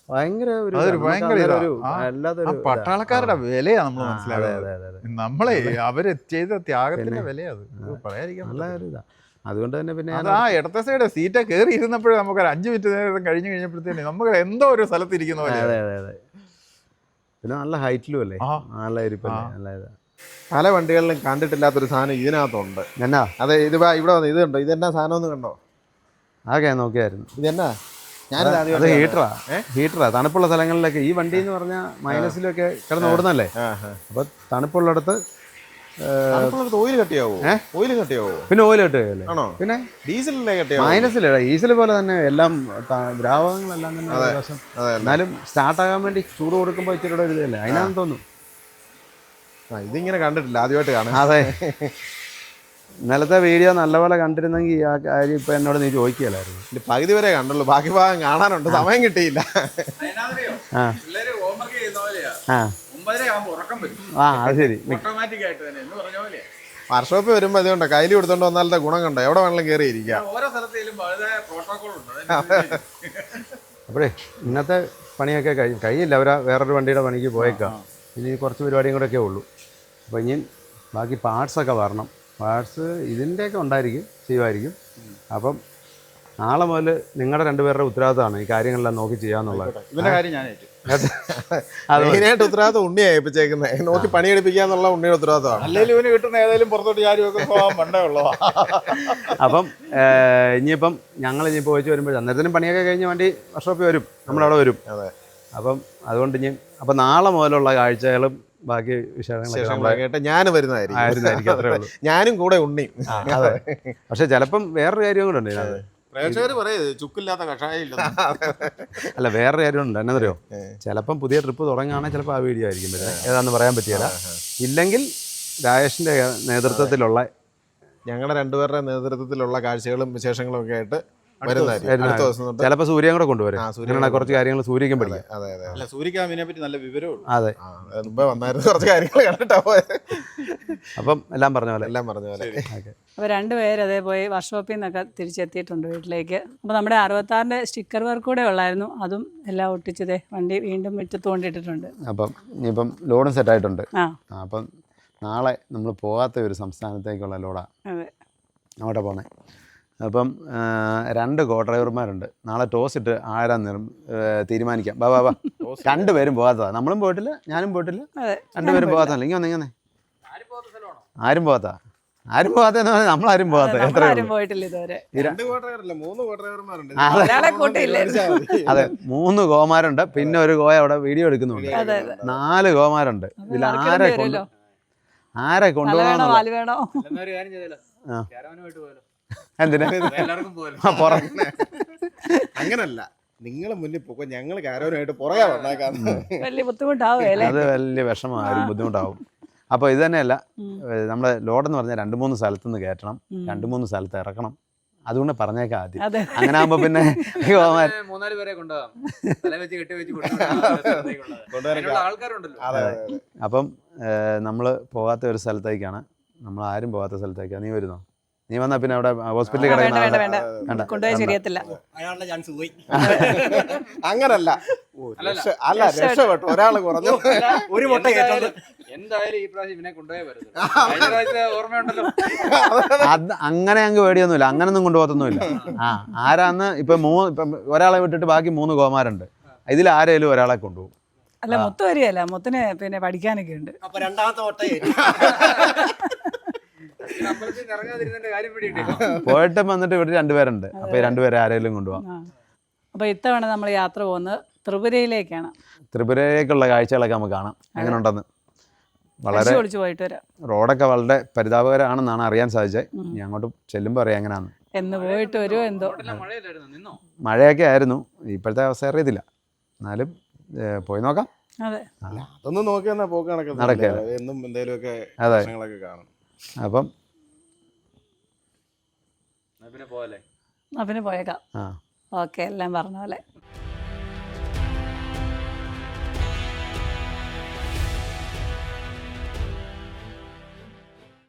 ഭയങ്കര ഒരു
അതൊരു
ഇതാണ്.
ഭയങ്കര
നമുക്ക്
ഇതാ.
അതൊരു
ആ,
വല്ലാത്തൊരു
ആ
ഇതാ.
പട്ടാളക്കാരുടെ വിലയാണ് നമ്മൾ
ആ, അതെ
മനസ്സിലാക്കുന്നത്.
അതെ അതെ അതെ
നമ്മളെ അവര് ചെയ്ത ത്യാഗത്തിന്റെ വിലയത് പറയാതിരിക്കാൻ
നല്ല
പറ്റില്ല.
ഒരു ഇതാ. അതുകൊണ്ട് തന്നെ പിന്നെ
അത്
ഞാൻ
ആ ഇടത്തെ സൈഡ് സീറ്റ് കയറി ഇരുന്നപ്പോഴേ നമുക്ക് ഒരു അഞ്ച് മിനിറ്റ് നേരം കഴിഞ്ഞ് കഴിഞ്ഞപ്പോഴത്തേന് നമുക്ക് എന്തോ ഒരു സ്ഥലത്ത് ഇരിക്കുന്ന പോലെ.
അതെ അതെ അതെ പിന്നെ നല്ല ഹൈറ്റിലും അല്ലേ,
ആ.
നല്ല ഇരിപ്പല്ലേ,
ആ.
നല്ല ഇതാ.
പല വണ്ടികളിലും കണ്ടിട്ടില്ലാത്തൊരു സാധനം ഇതിനകത്തുണ്ട്.
എന്നാ
അതെ, ഇത് വാ, ഇവിടെ വന്ന് ഇത് കണ്ടോ, ഇതെന്നാ സാധനം ഒന്ന് കണ്ടോ,
ആകെ നോക്കിയായിരുന്നു.
ഇതെന്നാ ഞാൻ
അത് ഹീറ്ററാ ഹീറ്ററാ തണുപ്പുള്ള സ്ഥലങ്ങളിലൊക്കെ ഈ വണ്ടി എന്ന് പറഞ്ഞാൽ മൈനസിലൊക്കെ കിടന്ന് ഓടുന്നല്ലേ. അപ്പൊ തണുപ്പുള്ളിടത്ത്
ഓയിൽ കട്ടിയാവോ? ഓയിൽ കട്ടിയാവോ?
പിന്നെ ഓയിൽ കിട്ടുകയല്ലേ.
ആണോ?
പിന്നെ
ഡീസലല്ലേ കട്ടിയാവോ?
മൈനസിലല്ല, ഈസിൽ പോലെ തന്നെ എല്ലാം ത- ദ്രാവകങ്ങളെല്ലാം തന്നെ ഏകദേശം. എന്നാലും സ്റ്റാർട്ടാകാൻ വേണ്ടി ചൂട് കൊടുക്കുമ്പോൾ ഇച്ചിരി കൂടെ ഒരു ഇതല്ലേ അതിനാന്ന് തോന്നുന്നു.
ആ, ഇതിങ്ങനെ കണ്ടിട്ടില്ല, ആദ്യമായിട്ട് കാണാം.
അതെ, ഇന്നലത്തെ വീഡിയോ നല്ലപോലെ കണ്ടിരുന്നെങ്കിൽ ആ കാര്യം ഇപ്പൊ എന്നോട് നീ ചോദിക്കുകയല്ലായിരുന്നു.
ഇതിന്റെ പകുതി വരെ കണ്ടുള്ളൂ, ബാക്കി ഭാഗം കാണാനുണ്ട്, സമയം കിട്ടിയില്ല.
ആ ആ ആ അത് ശരി.
വർക്ക്ഷോപ്പിൽ വരുമ്പോൾ അതുകൊണ്ട് കയ്യിൽ കൊടുത്തോണ്ട് വന്നാലത്തെ ഗുണം കണ്ടോ, എവിടെ വേണമെങ്കിലും കയറി ഇരിക്കാം.
അപ്പോഴേ ഇന്നത്തെ പണിയൊക്കെ കഴി കഴിയില്ല അവരാ വേറൊരു വണ്ടിയുടെ പണിക്ക് പോയേക്കാം. ഇനി കുറച്ച് പരിപാടിയും കൂടെ ഒക്കെ ഉള്ളൂ. അപ്പോൾ ഇനി ബാക്കി പാർട്സൊക്കെ വരണം. പാർട്സ് ഇതിൻ്റെയൊക്കെ ഉണ്ടായിരിക്കും, ചെയ്യുമായിരിക്കും. അപ്പം നാളെ മുതൽ നിങ്ങളുടെ രണ്ടുപേരുടെ ഉത്തരവാദിത്തമാണ് ഈ കാര്യങ്ങളെല്ലാം നോക്കി ചെയ്യാന്നുള്ളത്.
ഇവന്റെ കാര്യം ഞാൻ ഏറ്റു.
അത്
മെയിനായിട്ട് ഉത്തരവാദിത്തം ഉണ്ണിയാ ഏൽപ്പിച്ചേക്കുന്നത്, നോക്കി പണിയെടുപ്പിക്കാന്നുള്ള ഉണ്ണിയുടെ ഉത്തരവാദിത്തമാണ്.
അല്ലെങ്കിൽ ഇവന് കിട്ടുന്ന ഏതായാലും പുറത്തോട്ട് ചാരിയൊക്കെ പോകാൻ പണ്ടേ ഉള്ളതാ.
അപ്പം ഇനിയിപ്പം ഞങ്ങൾ ഇനിയിപ്പോൾ പോയിച്ച് വരുമ്പോൾ അന്നേരത്തിനും പണിയൊക്കെ കഴിഞ്ഞ് വണ്ടി വർക്ക്ഷോപ്പിൽ വരും, നമ്മളവിടെ വരും.
അതെ.
അപ്പം അതുകൊണ്ട് ഇനി അപ്പം നാളെ മുതലുള്ള കാഴ്ചകളും ബാക്കി വിശേഷങ്ങളൊക്കെ
കേട്ട് ഞാൻ വരുന്നതായിരിക്കും.
ആയിരുന്നായിരിക്കും, അത്രേ ഉള്ളൂ.
ഞാനും കൂടെ ഉണ്ണിയും.
അതെ, പക്ഷെ ചിലപ്പം വേറൊരു കാര്യം കൂടെ ഉണ്ട് ഇതിനകത്ത്.
പ്രേക്ഷകർ പറയത് ചുക്കില്ലാത്ത കഷായം ഇല്ല.
അല്ല, വേറൊരു കാര്യമുണ്ട്. എന്നറിയോ, ചിലപ്പം പുതിയ ട്രിപ്പ് തുടങ്ങുകയാണെങ്കിൽ ചിലപ്പോൾ ആ വീഡിയോ ആയിരിക്കും വരുന്നത്. ഏതാണെന്ന് പറയാൻ പറ്റിയല്ല. ഇല്ലെങ്കിൽ രാജേഷിൻ്റെ നേതൃത്വത്തിലുള്ള
ഞങ്ങളുടെ രണ്ടുപേരുടെ നേതൃത്വത്തിലുള്ള കാഴ്ചകളും വിശേഷങ്ങളും ഒക്കെ ആയിട്ട് വരുന്നതായിരിക്കും. അടുത്ത ദിവസം തൊട്ട്
ചിലപ്പോൾ സൂര്യൻ കൂടെ കൊണ്ടുവരും.
ആ, സൂര്യൻ
അങ്ങനെ കുറച്ച് കാര്യങ്ങൾ സൂര്യക്കും പഠിക്കാം.
അതെ അതെ
അല്ല, സൂര്യക്ക് അതിനെ പറ്റി നല്ല വിവരമുള്ളൂ.
അതെ,
ആ, മുമ്പേ വന്നായിരുന്നു, കുറച്ച് കാര്യങ്ങൾ കണ്ടിട്ടാ പോയത്.
അപ്പം എല്ലാം പറഞ്ഞ പോലെ
എല്ലാം പറഞ്ഞ പോലെ.
ഓക്കെ.
അപ്പോൾ രണ്ടുപേര് അതേ പോയി വർക്ക്ഷോപ്പിൽ നിന്നൊക്കെ തിരിച്ചെത്തിയിട്ടുണ്ട് വീട്ടിലേക്ക്. അപ്പോൾ നമ്മുടെ അറുപത്താറിൻ്റെ സ്റ്റിക്കർ വർക്ക് കൂടെ ഉള്ളായിരുന്നു, അതും എല്ലാം ഒട്ടിച്ചതേ വണ്ടി വീണ്ടും മുറ്റത്ത് കൊണ്ടിട്ടിട്ടുണ്ട്.
അപ്പം ഇനിയിപ്പം ലോഡും സെറ്റായിട്ടുണ്ട്.
ആ
അപ്പം നാളെ നമ്മൾ പോകാത്ത ഒരു സംസ്ഥാനത്തേക്കുള്ള ലോഡാണ്
അതെ.
അങ്ങോട്ടാണ് പോകുന്നത്. അപ്പം രണ്ട് കോ ഡ്രൈവർമാരുണ്ട്. നാളെ ടോസ് ഇട്ട് ആരാന്ന് തീരുമാനിക്കാം. ബാ ബാ ബാ രണ്ടുപേരും പോകാത്തതാണ്. നമ്മളും പോയിട്ടില്ല, ഞാനും പോയിട്ടില്ല,
അതെ
രണ്ടുപേരും പോകാത്തല്ല. ഇങ്ങനെ വന്നേ, ഇങ്ങനെ ആരും പോകാത്ത ആരും പോകാത്തെന്ന് പറഞ്ഞാൽ നമ്മളാരും പോകാത്ത എത്ര
നമ്മളാരും പോയിട്ടില്ല ഇതുവരെ.
രണ്ട് കോട്ടയല്ല, മൂന്ന് കോട്ടയർമാരുണ്ട്.
ഒരാളെ കൂട്ടിയില്ലേ?
അതെ, മൂന്ന് ഗോമാരുണ്ട്, പിന്നെ ഒരു ഗോയ അവിടെ വീഡിയോ എടുക്കുന്നുണ്ട്.
അതെ അതെ.
നാല് ഗോമാരുണ്ട്. ഇതിൽ ആരെ കൊണ്ട് ആരെ
തല വേണോ
കൊണ്ടുപോകണം?
വാല് വേണോ?
എന്തിനാ
അങ്ങനല്ല, നിങ്ങൾ മുന്നിൽ പോക്കോ, ഞങ്ങൾ കാരവനായിട്ട് പുറകെ വന്നേക്കാം.
വലിയ ബുദ്ധിമുട്ടാവുകയല്ലേ?
അത് വലിയ വിഷമമാകും, ബുദ്ധിമുട്ടാവും. അപ്പോൾ ഇത് തന്നെയല്ല, നമ്മുടെ ലോഡെന്ന് പറഞ്ഞാൽ രണ്ട് മൂന്ന് സ്ഥലത്തുനിന്ന് കയറ്റണം, രണ്ട് മൂന്ന് സ്ഥലത്ത് ഇറക്കണം. അതുകൊണ്ട് പറഞ്ഞേക്കാം ആദ്യം.
അതെ.
അങ്ങനെ ആകുമ്പോൾ പിന്നെ
മൂന്നാല് പേരെ കൊണ്ടുപോകാം, തല വെച്ച് കെട്ടി വെച്ച് ആൾക്കാരുണ്ടല്ലോ.
അപ്പം നമ്മൾ പോകാത്ത ഒരു സ്ഥലത്തേക്കാണ്, നമ്മൾ ആരും പോകാത്ത സ്ഥലത്തേക്കാണ്. നീ വരുന്നോ? നീ വന്നാ പിന്നെ അവിടെ ഹോസ്പിറ്റലിൽ
വേണ്ട വേണ്ട
കിടക്കുന്ന
വേണ്ട, കൊണ്ടുപോയി ശരിയത്തില്ല.
അങ്ങനല്ല, അല്ല രക്ഷപ്പെട്ടു, ഒരാള് കുറഞ്ഞു.
ഒരു മുട്ട എന്തായാലും ഈ പ്രാവശ്യം ഇവനെ കൊണ്ടുപോയേ വരുന്നത്. ഓർമ്മയുണ്ടല്ലോ.
അത് അങ്ങനെ അങ്ങ് പേടിയൊന്നുമില്ല, അങ്ങനൊന്നും കൊണ്ടുപോകത്തൊന്നുമില്ല. ആ ആരാന്ന് ഇപ്പൊ മൂന്ന് ഇപ്പം ഒരാളെ വിട്ടിട്ട് ബാക്കി മൂന്ന് കോമാരുണ്ട്. ഇതിൽ ആരെങ്കിലും ഒരാളെ കൊണ്ടുപോകും.
അല്ല, മൊത്തം വരികയല്ല, മൊത്തിന് പിന്നെ പഠിക്കാനൊക്കെ ഉണ്ട്.
അപ്പൊ രണ്ടാമത്തെ മുട്ട കാര്യം പിടിയിട്ടില്ല.
പോയിട്ട് വന്നിട്ട് ഇവിടെ രണ്ടുപേരുണ്ട്. അപ്പൊ ഈ രണ്ടുപേരെ ആരെങ്കിലും കൊണ്ടുപോകാം.
അപ്പോൾ ഇത്തവണ നമ്മൾ യാത്ര പോകുന്നത് ത്രിപുരയിലേക്കാണ്.
ത്രിപുരയിലേക്കുള്ള കാഴ്ചകളൊക്കെ നമുക്ക് കാണാം എങ്ങനെ ഉണ്ടെന്ന്. വളരെ
ഒളിച്ചു പോയിട്ട് വരാം.
റോഡൊക്കെ വളരെ പരിതാപകരമാണെന്നാണ് അറിയാൻ സാധിച്ചത്. ഇനി അങ്ങോട്ട് ചെല്ലുമ്പോൾ അറിയാം എങ്ങനെയാന്ന്.
എന്ന് പോയിട്ട് വരുമോ എന്തോ.
മഴയൊക്കെ ആയിരുന്നു, ഇപ്പോഴത്തെ അവസ്ഥ അറിയത്തില്ല. എന്നാലും പോയി നോക്കാം.
അതെ,
അതൊന്നും നോക്കി വന്നാൽ പോക്ക് നടക്കുന്നത്
നടക്കില്ല.
എന്നും എന്തെങ്കിലുമൊക്കെ
അതെ,
പ്രശ്നങ്ങളൊക്കെ കാണും.
അപ്പം
പിന്നെ പോലെ
പിന്നെ പോയേക്കാം.
ആ
ഓക്കെ, എല്ലാം പറഞ്ഞ പോലെ.